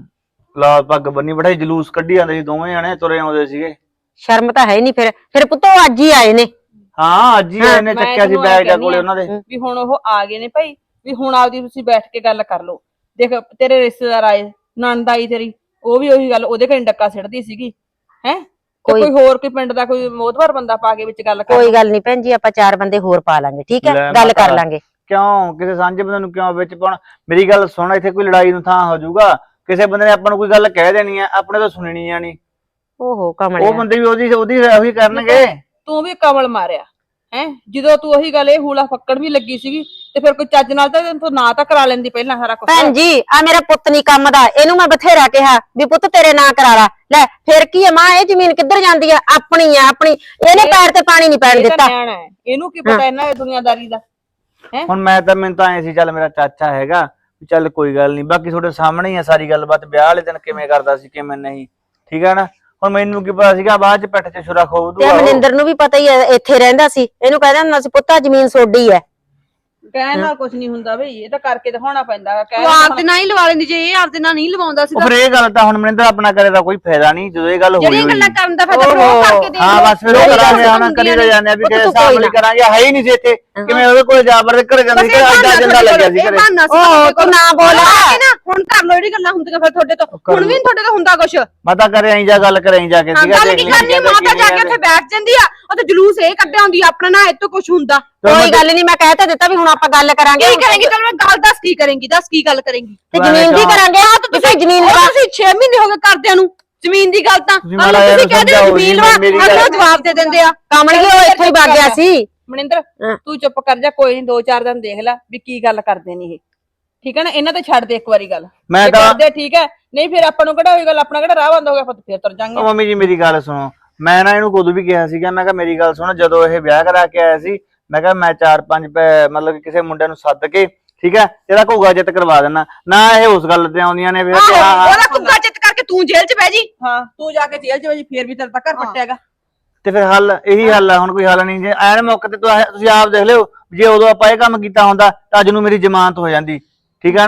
ਲਾਲ ਪੱਗ ਬੰਨੀ ਬੈਠੇ, ਜਲੂਸ ਕੱਢੀ ਜਾਂਦੇ ਸੀ, ਦੋਵੇਂ ਜਣੇ ਤੁਰੇ ਆਉਂਦੇ ਸੀਗੇ।
ਸ਼ਰਮ ਤਾਂ ਹੈ ਨਹੀਂ। ਫਿਰ ਪੁੱਤ ਉਹ ਅੱਜ ਹੀ ਆਏ ਨੇ।
ਹਾਂ ਅੱਜ ਹੀ ਇਹਨੇ
ਮੈਂ
ਚੱਕਿਆ ਸੀ
ਤੈਨੂੰ
ਬੈਗ
ਐਂ
ਕੋਲੇ ਉਹਨਾਂ ਦੇ।
ਵੀ ਹੁਣ ਉਹ ਆ ਗਏ ਨੇ ਭਾਈ, ਵੀ ਹੁਣ ਆਪਦੀ ਤੁਸੀਂ ਬੈਠ ਕੇ ਗੱਲ ਕਰ ਲਓ। ਦੇਖ ਤੇਰੇ ਰਿਸ਼ਤੇਦਾਰ ਆਏ, ਨਣਦ ਆਈ ਤੇਰੀ, ਉਹ ਵੀ ਉਹੀ ਗੱਲ ਉਹਦੇ ਘਰੇ ਡੱਕਾ ਸਿੱਟਦੀ ਸੀਗੀ। ਹੈ ਕੋਈ ਹੋਰ ਕੋਈ ਪਿੰਡ ਦਾ ਕੋਈ ਮੋਹਤਵਾਰ ਬੰਦਾ ਪਾ ਕੇ ਵਿੱਚ ਗੱਲ ਕਰ।
ਕੋਈ ਗੱਲ ਨਹੀਂ ਭੈਣ ਜੀ, ਆਪਾਂ 4 ਬੰਦੇ ਹੋਰ ਪਾ ਲਾਂਗੇ, ਠੀਕ ਹੈ?
ਲੈ
ਗੱਲ ਕਰ
ਮਾਤਾ।
ਲਾਂਗੇ।
ਕਿਉਂ ਕਿਸੇ ਸਾਂਝੇ ਬੰਦੇ ਨੂੰ ਕਿਉਂ ਵਿੱਚ ਪਾਉਣਾ? ਮੇਰੀ ਗੱਲ ਸੁਣ, ਇੱਥੇ ਕੋਈ ਲੜਾਈ ਨੂੰ ਥਾਂ ਹੋ ਜਾਊਗਾ। ਕਿਸੇ ਬੰਦੇ ਨੇ ਆਪਾਂ ਨੂੰ ਕੋਈ ਗੱਲ ਕਹਿ ਦੇਣੀ ਆ, ਆਪਣੇ ਤੋਂ ਸੁਣਨੀ ਜਾਣੀ।
ਓਹੋ
ਉਹ
ਕਮਲਿਆ,
ਬੰਦੇ ਵੀ ਉਹੀ ਕਰਨਗੇ।
ਤੂੰ ਵੀ ਕਮਲ ਮਾਰਿਆ ਹੈ, ਜਦੋਂ ਤੂੰ ਉਹੀ ਗੱਲ ਇਹ ਹੂਲਾ ਫੱਕੜ ਵੀ ਲੱਗੀ ਸੀਗੀ ਤੇ ਫਿਰ ਕੋਈ ਚੱਜ ਨਾਲ ਤਾਂ ਤੂੰ ਨਾ ਤਾਂ ਕਰਾ ਲੈਂਦੀ ਪਹਿਲਾਂ ਸਾਰਾ ਕੁਝ।
ਭੈਣ ਜੀ ਆ ਮੇਰਾ ਪੁੱਤ ਨਹੀਂ ਕੰਮ ਦਾ, ਇਹਨੂੰ ਮੈਂ ਬਥੇਰਾ ਕਿਹਾ ਵੀ ਪੁੱਤ ਤੇਰੇ ਨਾਂ ਕਰਾ ਲਾ। ਲੈ ਫਿਰ ਕੀ ਹੈ ਮਾਂ, ਇਹ ਜ਼ਮੀਨ ਕਿੱਧਰ ਜਾਂਦੀ ਆ? ਆਪਣੀ ਆ ਆਪਣੀ। ਇਹਨੇ ਪੈਰ ਤੇ ਪਾਣੀ ਨਹੀਂ ਪੈਣ
ਇਹ ਤਾਂ
ਦਿੱਤਾ।
ਨਿਆਣਾ ਹੈ, ਇਹਨੂੰ ਕੀ ਪਤਾ ਇਹਨਾਂ ਦੁਨੀਆਦਾਰੀ ਦਾ।
ਹੁਣ ਮੈਨੂੰ ਤਾਂ ਐ ਸੀ ਚੱਲ ਮੇਰਾ ਚਾਚਾ ਹੈਗਾ, ਵੀ ਚੱਲ ਕੋਈ ਗੱਲ ਨਹੀਂ, ਬਾਕੀ ਤੁਹਾਡੇ ਸਾਹਮਣੇ ਹੀ ਆ ਸਾਰੀ ਗੱਲਬਾਤ। ਵਿਆਹ ਵਾਲੇ ਦਿਨ ਕਿਵੇਂ ਕਰਦਾ ਸੀ ਕਿਵੇਂ ਨਹੀਂ, ਠੀਕ ਹੈ ਨਾ। ਹੁਣ ਮੈਨੂੰ ਕੀ ਪਤਾ ਸੀਗਾ ਬਾਅਦ ਚ ਪਿੱਠ 'ਚ ਛੁਰਾ ਖੋਬ
ਤੇ
ਦੂਗਾ।
ਮਨਿੰਦਰ ਨੂੰ ਵੀ ਪਤਾ ਹੀ ਹੈ, ਇੱਥੇ ਰਹਿੰਦਾ ਸੀ। ਇਹਨੂੰ ਕਹਿੰਦਾ ਹੁੰਦਾ ਸੀ ਪੁੱਤਾ ਜ਼ਮੀਨ ਸੋਡੀ ਹੈ।
ਕਹਿਣ ਨਾਲ ਕੁਝ ਨਹੀਂ ਹੁੰਦਾ ਬਈ, ਇਹ ਤਾਂ ਕਰਕੇ ਦਿਖਾਉਣਾ ਪੈਂਦਾ ਹੈ।
ਤੂੰ ਆਪਦੇ ਨਾਲ ਹੀ ਲਵਾ ਲੈਂਦੀ, ਜੇ ਇਹ ਆਪਦੇ ਨਾਲ ਨਹੀਂ ਲਵਾਉਂਦਾ ਸੀ।
ਫਿਰ ਇਹ ਗੱਲ ਤਾਂ ਹੁਣ ਮਨਿੰਦਰ ਆਪਣਾ ਕਰੇ ਦਾ ਕੋਈ ਫਾਇਦਾ ਨਹੀਂ, ਜਦੋਂ ਇਹ ਗੱਲ ਹੋਈ
ਜਿਹੜੀਆਂ
ਹੋਈ।
ਗੱਲਾਂ ਕਰਨ ਦਾ ਫਾਇਦਾ ਫਿਰ ਉਹ ਕਰਕੇ ਦੇਖ
ਹਾਂ
ਲਓ।
ਬਸ ਫਿਰ ਉਹ ਕਰਾਂਗੇ, ਹੁਣ ਕਰੀ ਤਾਂ ਜਾਂਦੇ ਆ ਵੀ ਕਿਸੇ ਸਾਹਮਣੇ ਕਰਾਂਗੇ। ਹੈ ਹੀ ਨਹੀਂ ਸੀ ਇੱਥੇ, ਕਿਵੇਂ ਉਹਦੇ ਕੋਲ ਜਾ ਵੜਦੇ ਘਰੇ ਜਾਂਦੇ ਕਿ ਅੱਡਾ ਜੰਦਾ ਲੱਗਿਆ ਸੀ ਘਰੇ।
ਓਹ ਤੂੰ ਨਾ ਬੋਲ।
ਹੁਣ ਕਰ ਲੋ ਜਿਹੜੀ ਗੱਲਾਂ ਹੁੰਦੀਆਂ ਫਿਰ ਤੁਹਾਡੇ ਤੋਂ। ਹੁਣ ਵੀ ਤੁਹਾਡੇ ਤੋਂ ਹੁੰਦਾ ਕੁਛ।
ਮਾਤਾ ਕਰੇ ਆਈ ਜਾ ਗੱਲ ਕਰੇ ਆਈ ਜਾ ਕੇ।
ਗੱਲ ਕੀ ਕਰਨੀ, ਮਾਤਾ ਜਾ ਕੇ ਉੱਥੇ ਬੈਠ ਜਾਂਦੀ ਆ, ਉੱਥੇ ਜਲੂਸ ਇਹ ਕੱਢਿਆ ਹੁੰਦੀ ਆ ਆਪਣਾ, ਨਾ ਇੱਥੋਂ ਕੁਛ ਹੁੰਦਾ।
ਕੋਈ ਗੱਲ ਨਹੀਂ, ਮੈਂ ਕਹਿ ਤਾਂ ਦਿੱਤਾ ਵੀ ਹੁਣ ਆਪਾਂ ਗੱਲ ਕਰਾਂਗੇ।
ਕੀ ਕਰੇਂਗੀ? ਚਲ ਮੈਂ ਗੱਲ ਦੱਸ, ਕੀ ਕਰੇਂਗੀ? ਦੱਸ ਕੀ ਗੱਲ ਕਰੇਂਗੀ?
ਤੇ ਜ਼ਮੀਨ ਦੀ ਕਰਾਂਗੇ। ਤੁਸੀਂ ਜ਼ਮੀਨ ਲਵਾ।
ਤੁਸੀਂ 6 ਮਹੀਨੇ ਹੋ ਗਏ ਕਰਦਿਆਂ ਨੂੰ ਜ਼ਮੀਨ ਦੀ ਗੱਲ। ਤਾਂ ਤੁਸੀਂ ਕਹਿੰਦੇ ਜ਼ਮੀਨ ਲਵਾ, ਅਗਲਾ ਜਵਾਬ ਦੇ ਦਿੰਦੇ ਆ।
ਕਮਲ ਉਹ ਇੱਥੇ ਹੀ ਵਗ ਗਿਆ ਸੀ।
ਮਨਿੰਦਰ ਤੂੰ ਚੁੱਪ ਕਰ ਜਾ, ਕੋਈ ਨਹੀਂ 2-4 ਦਿਨ ਦੇਖ ਲੈ ਵੀ ਕੀ ਗੱਲ ਕਰਦੇ ਨੇ ਇਹ, ਠੀਕ ਹੈ ਨਾ। ਇਹਨਾਂ ਤੇ ਛੱਡ ਦੇ ਇੱਕ ਵਾਰੀ ਗੱਲ।
ਮੈਂ
ਜੇ
ਤਾਂ
ਕਰਦੇ ਠੀਕ ਹੈ, ਨਹੀਂ ਫਿਰ ਆਪਾਂ ਨੂੰ ਕਿਹੜਾ ਹੋਈ ਗੱਲ, ਆਪਣਾ ਕਿਹੜਾ ਰਾਹ ਬੰਦ ਹੋ ਗਿਆ, ਫਿਰ ਤੁਰ ਜਾਾਂਗੇ।
ਮੰਮੀ ਜੀ ਮੇਰੀ ਗੱਲ ਸੁਣੋ, ਮੈਂ ਨਾ ਇਹਨੂੰ ਕਦੋਂ ਵੀ ਕਿਹਾ ਸੀਗਾ, ਮੈਂ ਕਿਹਾ ਮੇਰੀ ਗੱਲ ਸੁਣ, ਜਦੋਂ ਇਹ ਵਿਆਹ ਕਰਾ ਕੇ ਆਇਆ ਸੀ ਮੈਂ ਕਿਹਾ ਮੈਂ 4-5 ਮਤਲਬ ਕਿ ਕਿਸੇ ਮੁੰਡੇ ਨੂੰ ਸੱਦ ਕੇ, ਠੀਕ ਹੈ, ਇਹਦਾ ਘੋਗਾ ਜਿੱਤ ਕਰਵਾ ਦੇਣਾ ਨਾ। ਇਹ ਉਸ ਗੱਲ ਤੇ ਆਉਂਦੀਆਂ ਨੇ ਫਿਰ
ਉਹਦਾ ਕੁੱਗਾ ਚਿੱਤ ਕਰਕੇ ਤੂੰ ਜੇਲ੍ਹ 'ਚ ਬਹਿ ਜੀ।
ਹਾਂ ਤੂੰ ਜਾ ਕੇ ਜੇਲ੍ਹ 'ਚ ਵਜੀ, ਫੇਰ ਵੀ ਤੇਰਾ ਤਾਂ ਘਰ ਪੱਟਿਆਗਾ।
ਤੇ ਫਿਰ ਹੱਲ ਇਹੀ ਹੱਲ ਆ, ਹੁਣ ਕੋਈ ਹੱਲ ਨਹੀਂ। ਜੇ ਐਨ ਮੌਕੇ ਤੇ ਤੁਸੀਂ ਆਪ ਦੇਖ ਲਿਓ, ਜੇ ਉਦੋਂ ਆਪਾਂ ਇਹ ਕੰਮ ਕੀਤਾ ਹੁੰਦਾ ਤਾਂ ਅੱਜ ਨੂੰ ਮੇਰੀ ਜ਼ਮਾਨਤ ਹੋ ਜਾਂਦੀ, ਠੀਕ ਹੈ ਨਾ।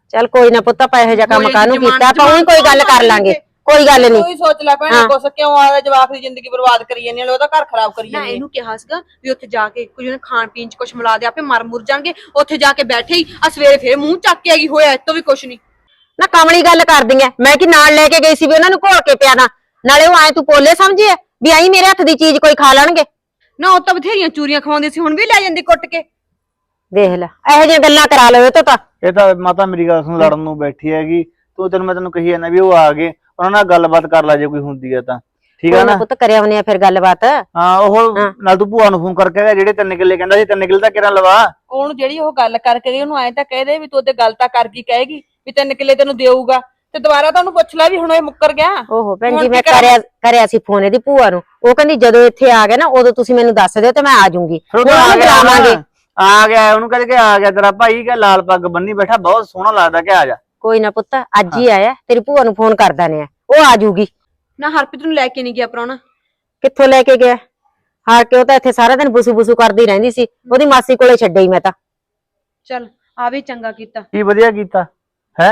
ਚੱਲ ਕੋਈ ਨਾ ਪੁੱਤ ਆਪਾਂ ਇਹੋ ਜਿਹਾ ਕੰਮ
ਕੋਈ
ਕਾਹਨੂੰ
ਜ਼ਮਾਨ-
ਕੀਤਾ ਆਪਾਂ ਉਹੀ ਕੋਈ ਗੱਲ ਕਰ ਲਾਂਗੇ ਕੋਈ ਗੱਲ ਨਹੀਂ
ਤੂੰ ਹੀ ਸੋਚ ਲੈ ਭੈਣੇ ਕੁਛ ਕਿਉਂ ਆਦਾ ਜਵਾਕ ਦੀ ਜ਼ਿੰਦਗੀ ਬਰਬਾਦ ਕਰੀ ਜਾਂਦੀ ਹੈ ਉਹਦਾ ਘਰ ਖਰਾਬ ਕਰੀ
ਨਾ
ਜਾਂਦੀ ਹੈ
ਇਹਨੂੰ ਕਿਹਾ ਸੀਗਾ ਵੀ ਉੱਥੇ ਜਾ ਕੇ ਕੁਝ ਉਹਨੇ ਖਾਣ ਪੀਣ ਚ ਕੁਝ ਮਿਲਾ ਦੇ ਆਪੇ ਮਰ ਮੁਰ ਜਾਣਗੇ ਉੱਥੇ ਜਾ ਕੇ ਬੈਠੇ ਹੀ ਆ ਸਵੇਰੇ ਫੇਰ ਮੂੰਹ ਚੱਕ ਕੇ ਆਗੀ ਹੋਇਆ ਇਤੋਂ ਵੀ ਕੁਝ ਨਹੀਂ
ਨਾ ਕਮਲੀ ਗੱਲ ਕਰਦੀ ਐ ਮੈਂ ਕਿ ਨਾਲ ਲੈ ਕੇ ਗਈ ਸੀ ਵੀ ਉਹਨਾਂ ਨੂੰ ਘੋਲ ਕੇ ਪਿਆਣਾ ਨਾਲੇ ਉਹ ਐ ਤੂੰ ਪੋਲੇ ਸਮਝੀ ਐ ਵੀ ਆਈ ਮੇਰੇ ਹੱਥ ਦੀ ਚੀਜ਼ ਕੋਈ ਖਾ ਲੈਣਗੇ
ਨਾ ਉਹ ਤਾਂ ਬਥੇਰੀਆਂ ਚੂਰੀਆਂ ਖਵਾਉਂਦੇ ਸੀ ਹੁਣ ਵੀ ਲੈ ਜਾਂਦੀ ਕੁੱਟ ਕੇ
ਦੇਖ ਲੈ ਇਹੋ ਜਿਹੀਆਂ ਗੱਲਾਂ ਕਰਾ ਲਓ ਇਹ ਤੋਂ ਤਾਂ
ਇਹ ਤਾਂ ਮਾਤਾ ਮੇਰੀ ਗੱਲ ਸੁਣ ਲੜਨ ਨੂੰ ਬੈਠੀ ਹੈਗੀ ਮੈਂ ਤੈਨੂੰ ਕਹੀ ਜਾਂਦਾ ਵੀ ਉਹ ਆ ਗਏ ਉਹਨਾਂ ਨਾਲ ਗੱਲਬਾਤ ਕਰ ਲੈ ਜੇ ਕੋਈ ਹੁੰਦੀ ਹੈ ਤਾਂ ਠੀਕ ਆ
ਕੋਈ
ਨਾ
ਨਾ ਪੁੱਤ ਕਰਿਆ ਉਹਨੇ ਫਿਰ ਗੱਲਬਾਤ
ਹਾਂ ਉਹ ਨਾਲ ਤੂੰ ਭੂਆ ਨੂੰ ਫੋਨ ਕਰਕੇ ਕਹਿ ਜਿਹੜੇ 3 ਕਿੱਲੇ ਕਹਿੰਦਾ ਸੀ 3 ਕਿੱਲੇ ਤਾਂ ਕਿਹੜਾ ਲਵਾ
ਉਹਨੂੰ ਜਿਹੜੀ ਉਹ ਗੱਲ ਕਰਕੇ ਗਈ ਉਹਨੂੰ ਐਂ ਤਾਂ ਕਹਿ ਦੇ ਵੀ ਤੂੰ ਉਹਦੇ ਗੱਲ ਤਾਂ ਕਰ ਗਈ ਕਹੇਗੀ ਵੀ 3 ਕਿੱਲੇ ਤੈਨੂੰ ਦੇਊਗਾ ਤੇ ਦੁਬਾਰਾ ਤਾਂ ਉਹਨੂੰ ਪੁੱਛ ਲੈ ਵੀ ਹੁਣ ਇਹ ਮੁੱਕਰ ਗਿਆ
ਓਹੋ ਭੈਣ
ਹੁਣ
ਜੀ
ਕੀ
ਮੈਂ
ਕਰਾਂ?
ਕਰਿਆ ਸੀ ਫੋਨ ਇਹਦੀ ਭੂਆ ਨੂੰ ਉਹ ਕਹਿੰਦੀ ਜਦੋਂ ਇੱਥੇ ਆ ਗਿਆ ਨਾ ਉਦੋਂ ਤੁਸੀਂ ਮੈਨੂੰ ਦੱਸ ਦਿਓ ਤੇ ਮੈਂ ਆ ਜਾਊਂਗੀ
ਫਿਰ ਉਹ
ਹੁਣ ਉਹਨੂੰ ਬੁਲਾਵਾਂਗੇ
ਆ ਗਿਆ ਉਹਨੂੰ ਕਹਿੰਦੇ ਕਿ ਆ ਗਿਆ ਤੇਰਾ ਭਾਈ ਕਿ ਲਾਲ ਪੱਗ ਬੰਨੀ ਬੈਠਾ ਬਹੁਤ ਸੋਹਣਾ ਲੱਗਦਾ ਕਿ ਆ ਜਾ
ਕੋਈ ਨਾ ਪੁੱਤ ਅੱਜ ਹੀ ਆਇਆ ਤੇਰੀ ਭੂਆ ਨੂੰ ਫੋਨ ਕਰਦਾ ਨੇ ਉਹ ਆ ਜਾਊਗੀ
ਨਾ ਹਰਪ੍ਰੀਤ ਨੂੰ ਲੈ ਕੇ ਨਹੀਂ ਗਿਆ ਪ੍ਰਾਹੁਣਾ
ਕਿੱਥੋਂ ਲੈ ਕੇ ਗਿਆ ਹਾਰ ਕੇ ਉਹ ਤਾਂ ਇੱਥੇ ਸਾਰਾ ਦਿਨ ਬੁਸੂ ਬੁਸੂ ਕਰਦੀ ਰਹਿੰਦੀ ਸੀ ਉਹਦੀ ਮਾਸੀ ਕੋਲੇ ਛੱਡਈ ਮੈਂ ਤਾਂ
ਚੱਲ ਆ ਵੀ ਚੰਗਾ ਕੀਤਾ
ਕੀ ਵਧੀਆ ਕੀਤਾ ਹੈ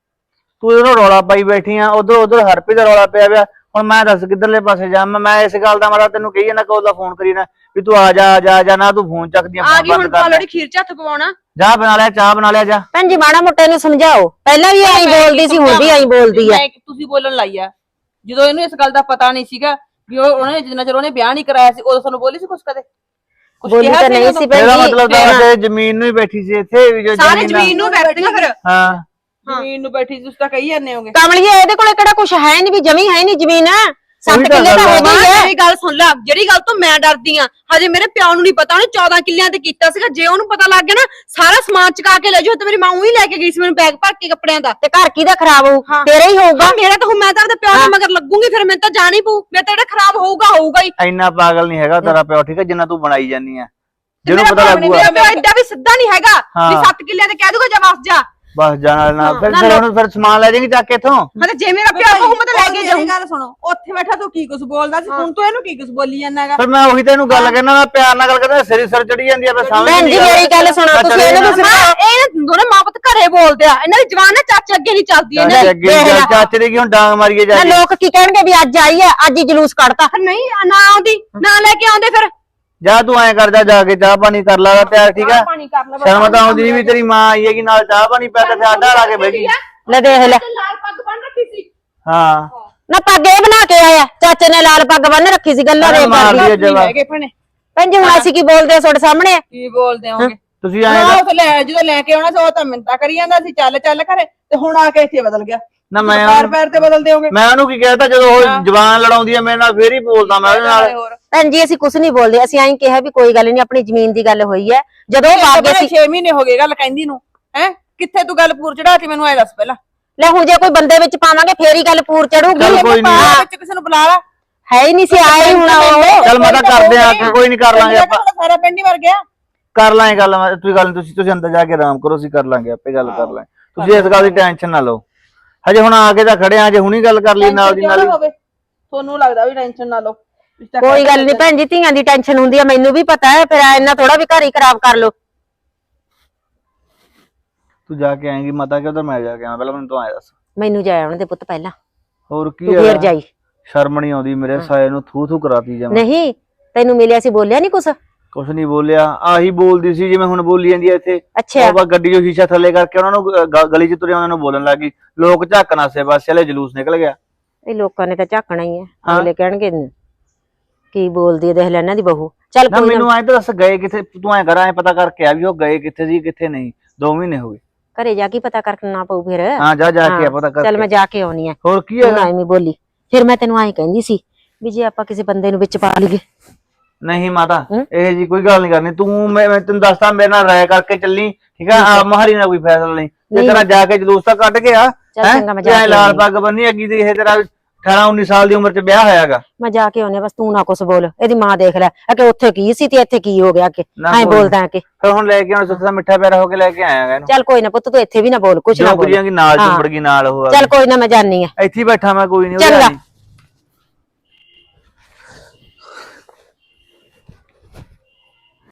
ਤੂੰ ਇਹਨੂੰ ਰੌਲਾ ਪਾਈ ਬੈਠੀ ਆ ਉਧਰ ਹਰਪੀ ਦਾ ਰੌਲਾ ਪਿਆ ਪਿਆ ਹੁਣ ਮੈਂ ਦੱਸ ਕਿੱਧਰਲੇ ਪਾਸੇ ਜਾ ਮੈਂ ਇਸ ਗੱਲ ਦਾ ਮਾਰਾ ਤੈਨੂੰ ਕਹੀ ਜਾਂਦਾ ਕੋਲ ਦਾ ਫੋਨ ਕਰੀ ਨਾ ਵੀ ਤੂੰ ਆ ਜਾ ਨਾ ਤੂੰ ਫੋਨ ਚੱਕਦੀਆਂ
ਆ ਗਈ ਹੁਣ ਪਾਲੜੀ ਖੀਰ ਚ ਹੱਥ ਪਵਾਉਣਾ
ਜਾ ਬਣਾ ਲਿਆ ਚਾਹ ਬਣਾ ਲਿਆ ਜਾ
ਭੈਣ ਜੀ ਮਾੜਾ ਮੋਟਾ ਇਹਨੂੰ ਸਮਝਾਓ ਪਹਿਲਾਂ ਵੀ ਐਂ ਬੋਲਦੀ ਸੀ ਹੁਣ ਵੀ ਐਂ ਬੋਲਦੀ ਆ
ਤੁਸੀਂ ਬੋਲਣ ਲਾਈ ਆ ਜਦੋਂ ਇਹਨੂੰ ਇਸ ਗੱਲ ਦਾ ਪਤਾ ਨਹੀਂ ਸੀਗਾ ਵੀ ਉਹਨੇ ਜਿੰਨਾ ਚਿਰ ਉਹਨੇ ਵਿਆਹ ਨਹੀਂ ਕਰਾਇਆ ਸੀ ਉਦੋਂ ਤੁਹਾਨੂੰ ਬੋਲੀ ਸੀ ਕੁਛ ਕਦੇ ਕੁਛ
ਬੋਲੀ
ਕਿਹਾ
ਤਾਂ
ਸੀ
ਨਹੀਂ
ਉਦੋਂ?
ਸੀ ਭੈਣ
ਇਹਦਾ
ਜੀ
ਮਤਲਬ ਤਾਂ ਇਹ ਜ਼ਮੀਨ ਨੂੰ ਹੀ ਬੈਠੀ ਸੀ ਇੱਥੇ ਵੀ ਜੋ
ਸਾਰੇ ਜ਼ਮੀਨ ਨੂੰ ਬੈਠਦੀਆਂ ਫਿਰ
ਹਾਂ
ਜ਼ਮੀਨ ਨੂੰ ਬੈਠੀ ਸੀ ਤੁਸੀਂ ਤਾਂ ਕਹੀ ਜਾਂਦੇ ਹੋਗੇ
ਕਮਲੀਏ ਇਹਦੇ ਕੋਲੇ ਕਿਹੜਾ ਕੁਛ ਹੈ ਨਹੀਂ ਵੀ ਜਮੀ ਹੈ ਨਹੀਂ ਜ਼ਮੀਨ 7
ਉਹੀ ਤਾਂ
ਕਿੱਲੇ ਤਾਂ
ਗੱਲ
ਹੈਗੀ
ਮਾਂ
ਹੈ
ਮੇਰੀ ਗੱਲ ਸੁਣ ਲੈ ਜਿਹੜੀ ਗੱਲ ਤੋਂ ਮੈਂ ਡਰਦੀ ਆ ਹਜੇ ਮੇਰੇ ਪਿਓ ਨੂੰ ਨਹੀਂ ਪਤਾ ਉਹਨੇ 14 ਕਿੱਲਿਆਂ ਤੇ ਕੀਤਾ ਸੀਗਾ ਜੇ ਉਹਨੂੰ ਪਤਾ ਲੱਗ ਗਿਆ ਨਾ ਸਾਰਾ ਸਮਾਨ ਚੁਕਾ ਕੇ ਲੈ ਜਾਓ ਤੇ ਮੇਰੀ ਮਾਂ ਉਹੀ ਲੈ ਕੇ ਗਈ ਸੀ ਮੈਨੂੰ ਬੈਗ ਭਰ ਕੇ ਕੱਪੜਿਆਂ ਦਾ
ਤੇ ਘਰ ਕਿਹਦਾ ਖਰਾਬ ਹੋਊ
ਹਾਂ।
ਤੇਰਾ ਹੀ ਹੋਊਗਾ
ਮੇਰਾ ਤਾਂ ਹੁਣ ਮੈਂ ਤਾਂ ਆਪਦੇ ਪਿਓ ਦੇ ਮਗਰ ਲੱਗੂਗੀ ਫਿਰ ਮੈਨੂੰ ਤਾਂ ਜਾਣੀ ਪਊ ਮੈਂ ਤਾਂ ਜਿਹੜਾ ਖਰਾਬ ਹੋਊਗਾ ਹੀ
ਇੰਨਾ ਪਾਗਲ ਨਹੀਂ ਹੈਗਾ ਤੇਰਾ ਪਿਓ ਠੀਕ ਹੈ ਜਿੰਨਾ ਤੂੰ ਬਣਾਈ ਜਾਨੀ ਆ ਜਿਹਨੂੰ
ਮੇਰਾ
ਪਤਾ
ਪਿਓ ਨੀ,
ਲੱਗੂਗਾ
ਮੇਰਾ ਪਿਓ ਐਡਾ ਵੀ ਸਿੱਧਾ ਨਹੀਂ ਹੈਗਾ ਵੀ
ਹਾਂ।
7 ਕਿੱਲਿਆਂ ਤੇ ਕਹਿ ਦੂਗਾ ਜਾ ਵਾਪਸ ਜਾ
ਬਸ ਜਾਣਾ ਨਾ ਫਿਰ ਹੁਣ ਫਿਰ ਸਮਾਨ ਲੈ ਜਾਏਂਗੇ ਚੱਕ ਕੇ ਇੱਥੋਂ
ਮਤਲਬ ਜੇ ਮੇਰਾ ਪਿਓ ਕਹੂ ਮੈਂ ਤਾਂ ਲੈ ਕੇ ਜਾਊਂ
ਗੱਲ ਸੁਣੋ ਉੱਥੇ ਬੈਠਾ ਤੂੰ ਕੀ ਕੁਝ ਬੋਲਦਾ ਸੀ ਹੁਣ ਤੂੰ ਇਹਨੂੰ ਕੀ ਕੁਝ ਬੋਲੀ ਜਾਂਦਾਗਾ
ਫਿਰ ਮੈਂ ਉਹੀ ਤੈਨੂੰ ਗੱਲ ਕਹਿਣਾ ਮੈਂ ਪਿਆਰ ਨਾਲ ਗੱਲ ਕਰਦਾ ਸਿਰ ਚੜੀ ਜਾਂਦੀ ਆ ਮੈਂ ਸਮਝ
ਭੈਣ ਜੀ ਮੇਰੀ ਗੱਲ ਸੁਣੋ ਤੁਸੀਂ ਇਹਨੂੰ
ਇਹ ਦੋਨੇ ਮਾਂ ਪੁੱਤ ਘਰੇ ਬੋਲਦੇ ਆ ਇਹਨਾਂ ਦੀ ਜਵਾਨ ਨਾ ਚਾਚੇ ਅੱਗੇ ਨਹੀਂ ਚੱਲਦੀ ਇਹਨਾਂ ਦੀ
ਚਾਚੇ ਦੇ ਕੀ ਹੁਣ ਡਾਂਗ ਮਾਰੀਏ ਜਾ
ਨਾ ਲੋਕ ਕੀ ਕਹਿਣਗੇ ਵੀ ਅੱਜ ਆਈ ਹੈ ਅੱਜ ਹੀ ਜਲੂਸ ਕੱਢਤਾ
ਨਹੀਂ ਨਾ ਆਉਂਦੀ ਨਾ ਲੈ ਕੇ ਆਉਂਦੇ ਫਿਰ
ਜਾ ਤੂੰ ਐ ਕਰਦਾ ਜਾ ਕੇ ਚਾਹ ਪਾਣੀ ਕਰ ਲਾ ਤਿਆਰ ਠੀਕ ਆ
ਪਾਣੀ ਕਰ ਲੈ
ਸ਼ਰਮ ਤਾਂ ਆਉਂਦੀ ਨਹੀਂ ਵੀ ਤੇਰੀ ਮਾਂ ਆਈ ਹੈਗੀ ਨਾਲ ਚਾਹ ਪਾਣੀ ਪਿਆ ਕੇ ਸਾਡਾ ਲਾ ਕੇ ਬਹਿ ਗਈ
ਲੈ ਦੇਖ ਲੈ
ਲਾਲ ਪੱਗ ਬੰਨ ਰੱਖੀ ਸੀ
ਹਾਂ
ਨਾ ਪੱਗ ਇਹ ਬਣਾ ਕੇ ਆਇਆ ਚਾਚੇ ਨੇ ਲਾਲ ਪੱਗ ਬੰਨ ਰੱਖੀ ਸੀ ਗੱਲਾਂ ਦੇ
ਮਾਰ
ਕਰਦੀ
ਲਈਏ ਜਵਾਬ
ਹੈਗੇ ਭਣੇ
ਭੈਣ ਜੀ ਹੁਣ ਅਸੀਂ ਕੀ ਬੋਲਦੇ ਆ ਤੁਹਾਡੇ ਸਾਹਮਣੇ
ਕੀ ਬੋਲਦੇ ਹੋਗੇ
ਤੁਸੀਂ ਐ
ਨਾ ਉਹ ਲੈ ਜਦੋਂ ਲੈ ਕੇ ਆਉਣਾ ਸੀ ਉਹ ਤਾਂ ਮਿੰਤਾ ਕਰੀ ਜਾਂਦਾ ਸੀ ਚੱਲ ਚੱਲ ਕਰੇ ਤੇ ਹੁਣ ਆ ਕੇ ਇੱਥੇ ਬਦਲ ਗਿਆ
ਨਾ ਮੈਂ
ਪੈਰ ਪੈਰ ਤੇ ਬਦਲਦੇ ਹੋਗੇ
ਮੈਂ ਉਹਨੂੰ ਕੀ ਕਹਿਤਾ ਜਦੋਂ ਉਹ ਜਵਾਨ ਲੜਾਉਂਦੀ ਆ ਮੇਰੇ ਨਾਲ ਫੇਰ ਹੀ ਬੋਲਦਾ ਮੈਂ ਉਹਦੇ ਨਾਲ
ਹੋਰ
ਭੈਣ ਜੀ ਅਸੀਂ ਕੁਝ ਨਹੀਂ ਬੋਲਦੇ ਅਸੀਂ ਐਂ ਕਿਹਾ ਵੀ ਕੋਈ ਗੱਲ ਨਹੀਂ ਆਪਣੀ ਜ਼ਮੀਨ ਦੀ ਗੱਲ ਹੋਈ ਹੈ ਜਦੋਂ ਉਹ ਆ ਗਏ ਸੀ
6 ਮਹੀਨੇ ਹੋ ਗਏ ਗੱਲ ਕਹਿੰਦੀ ਨੂੰ ਹੈ ਕਿੱਥੇ ਤੂੰ ਗੱਲ ਪੂਰ ਚੜਾਤੀ ਮੈਨੂੰ ਐ ਦੱਸ ਪਹਿਲਾਂ
ਲੈ ਹੁਣ ਜੇ ਕੋਈ ਬੰਦੇ ਵਿੱਚ ਪਾਵਾਂਗੇ ਫੇਰ ਹੀ ਗੱਲ ਪੂਰ ਚੜੂਗੀ
ਚੱਲ ਕੋਈ ਨੀ।
ਬਾਹਰ ਵਿੱਚ ਕਿਸੇ ਨੂੰ ਬੁਲਾ ਲਾ
ਹੈ ਹੀ ਨਹੀਂ ਸੀ ਆਏ ਹੁਣ ਉਹ
ਚੱਲ ਮੈਂ ਤਾਂ ਕਰਦੇ ਆ ਕੋਈ ਨਹੀਂ ਕਰ ਲਾਂਗੇ ਆਪਾਂ
ਸਾਰਾ ਪਿੰਡ ਹੀ ਮਰ ਗਿਆ
ਕਰ ਲਾਂਗੇ ਗੱਲ ਤੁਸੀਂ ਗੱਲ ਤੁਸੀਂ ਅੰਦਰ ਜਾ ਕੇ ਆਰਾਮ ਕਰੋ ਅਸੀਂ ਕਰ ਲਾਂਗੇ ਆਪੇ ਗੱਲ ਕਰ ਲਾਂਗੇ ਤੁਸੀਂ ਇਸ ਗੱਲ ਦੀ ਟੈਨਸ਼ਨ ਨਾ ਲਓ ਹਜੇ ਹੁਣ ਆ ਕੇ ਤਾਂ ਖੜੇ ਆ ਜੇ ਹੁਣੀ ਗੱਲ ਕਰ ਲਈ ਨਾਲ ਦੀ ਨਾਲ ਹੀ
ਹੋਵੇ ਤੁਹਾਨੂੰ ਲੱਗਦਾ ਵੀ ਟੈਨਸ਼ਨ ਨਾ ਲਓ
ਕੋਈ ਗੱਲ ਨਹੀਂ ਭੈਣ ਜੀ ਧੀਆਂ ਦੀ ਟੈਨਸ਼ਨ ਹੁੰਦੀ ਆ ਮੈਨੂੰ ਵੀ ਪਤਾ ਹੈ ਫਿਰ ਇੰਨਾ ਥੋੜਾ ਵੀ ਘਰ ਹੀ ਖਰਾਬ ਕਰ ਲੋ
ਤੂੰ ਜਾ ਕੇ ਆਏਂਗੀ ਮਾਤਾ ਕਿ ਉਧਰ ਮੈਂ ਜਾ ਕੇ ਆਵਾਂ ਪਹਿਲਾਂ ਮੈਨੂੰ ਤੂੰ ਆਇਆ ਦੱਸ
ਮੈਨੂੰ ਜਾਇਆ ਉਹਨਾਂ ਦੇ ਪੁੱਤ ਪਹਿਲਾਂ
ਹੋਰ ਕੀ
ਤੂੰ ਫੇਰ ਜਾਈ
ਸ਼ਰਮ ਨਹੀਂ ਆਉਂਦੀ ਮੇਰੇ ਸਾਏ ਨੂੰ ਥੂ ਕਰਾਤੀ ਜਮਾ
ਨਹੀਂ ਤੈਨੂੰ ਮਿਲਿਆ ਸੀ ਬੋਲਿਆ ਨਹੀਂ ਕੁਛ
ਕੁਛ ਨਹੀਂ ਬੋਲਿਆ ਆਹੀ ਬੋਲਦੀ ਸੀ ਜਿਵੇਂ ਹੁਣ ਬੋਲੀ ਜਾਂਦੀ ਐ ਇੱਥੇ
ਅੱਛਾ
ਉਹ ਬਾ ਗੱਡੀ ਜੋ ਸ਼ੀਸ਼ਾ ਥੱਲੇ ਕਰਕੇ ਉਹਨਾਂ ਨੂੰ ਗਲੀ 'ਚ ਤੁਰੇ ਉਹਨਾਂ ਨੂੰ ਬੋਲਣ ਲੱਗੀ ਲੋਕ ਝਾਕਣਾ ਸੇ ਬਸ ਚਲੇ ਜਲੂਸ ਨਿਕਲ ਗਿਆ
ਇਹ ਲੋਕਾਂ ਨੇ ਤਾਂ ਝਾਕਣਾ ਹੀ ਹੈ
ਹਾਂ।
ਅਗਲੇ ਕਹਿਣਗੇ ਕੀ ਬੋਲਦੀ ਹੈ ਦੇਖ ਲੈ ਇਹਨਾਂ ਦੀ ਬਹੂ ਚੱਲ
ਨਾ
ਕੋਈ
ਮੈਨੂੰ
ਨਾ
ਐਂ ਤਾਂ ਦੱਸ ਗਏ ਕਿੱਥੇ ਤੂੰ ਐਂ ਕਰ ਐਂ ਪਤਾ ਕਰਕੇ ਆ ਵੀ ਉਹ ਗਏ ਕਿੱਥੇ ਸੀ ਕਿੱਥੇ ਨਹੀਂ 2 ਮਹੀਨੇ ਹੋ ਗਏ
ਘਰੇ ਜਾ ਕੇ ਪਤਾ ਕਰਨਾ ਪਊ ਫਿਰ
ਹਾਂ ਜਾ ਕੇ ਆ ਪਤਾ ਕਰ
ਚੱਲ ਮੈਂ ਜਾ ਕੇ ਆਉਣੀ ਆ
ਹੋਰ ਕੀ
ਤੂੰ
ਹੈਗਾ
ਐਵੇਂ ਬੋਲੀ ਫਿਰ ਮੈਂ ਤੈਨੂੰ ਐਂ ਕਹਿੰਦੀ ਸੀ ਵੀ ਜੇ ਆਪਾਂ ਕਿਸੇ ਬੰਦੇ ਨੂੰ ਵਿੱਚ ਪਾ ਲਈਏ
ਨਹੀਂ ਮਾਤਾ
ਹੂੰ?
ਇਹ ਜੀ ਕੋਈ ਗੱਲ ਨਹੀਂ ਕਰਨੀ ਤੂੰ ਮੈਂ ਤੈਨੂੰ ਦੱਸਦਾ ਮੇਰੇ ਨਾਲ ਰਾਇ ਕਰਕੇ ਚੱਲੀ ਠੀਕ ਆ ਆ ਮਹਾਰੀ ਨਾਲ ਕੋਈ ਫੈਸਲਾ ਨਹੀਂ ਤੇ
ਨਹੀਂ।
ਤੇਰਾ ਜਾ ਕੇ ਜਲੂਸ ਤਾਂ ਕੱਢ ਕੇ ਆ
ਚੱਲ ਚੰਗਾ ਮੈਂ ਜਾ ਕੇ
ਲਾਲ
ਆਉਂਦੀ
ਪੱਗ ਬੰਨੀ ਅੱਗੀ ਤੇ ਇਹ ਤੇਰਾ 18 19 ਸਾਲ ਦੀ ਉਮਰ 'ਚ ਵਿਆਹ ਹੋਇਆਗਾ
ਮੈਂ ਜਾ ਕੇ ਆਉਣੀ ਆ, ਬਸ ਤੂੰ ਨਾ ਕੁਛ ਬੋਲ ਇਹਦੀ ਮਾਂ ਦੇਖ ਲੈ ਕਿ ਉੱਥੇ ਕੀ ਸੀ ਤੇ ਇੱਥੇ ਕੀ ਹੋ ਗਿਆ ਕਿ
ਨਾ
ਐਂ
ਕੋਈ।
ਬੋਲਦਾ ਕਿ
ਫਿਰ ਹੁਣ ਲੈ ਕੇ ਹੁਣ ਸੁੱਤਾ ਮਿੱਠਾ ਪਿਆਰਾ ਹੋ ਕੇ ਲੈ ਕੇ ਆਇਆਗਾ ਇਹਨੂੰ
ਚੱਲ ਕੋਈ ਨਾ ਪੁੱਤ ਤੂੰ ਇੱਥੇ ਵੀ ਨਾ ਬੋਲ ਕੁਛ ਨਾ
ਜੋ
ਬੋਲ
ਕੁੜੀਆਂ ਦੀ ਨਾਲ
ਹਾਂ।
ਚੁੰਬੜ ਗਈ ਨਾਲ ਉਹ
ਚੱਲ ਕੋਈ ਨਾ ਮੈਂ ਜਾਨੀ ਆ
ਇੱਥੇ ਹੀ ਬੈਠਾ ਮੈਂ ਕੋਈ ਨਹੀਂ
ਚੰਗਾ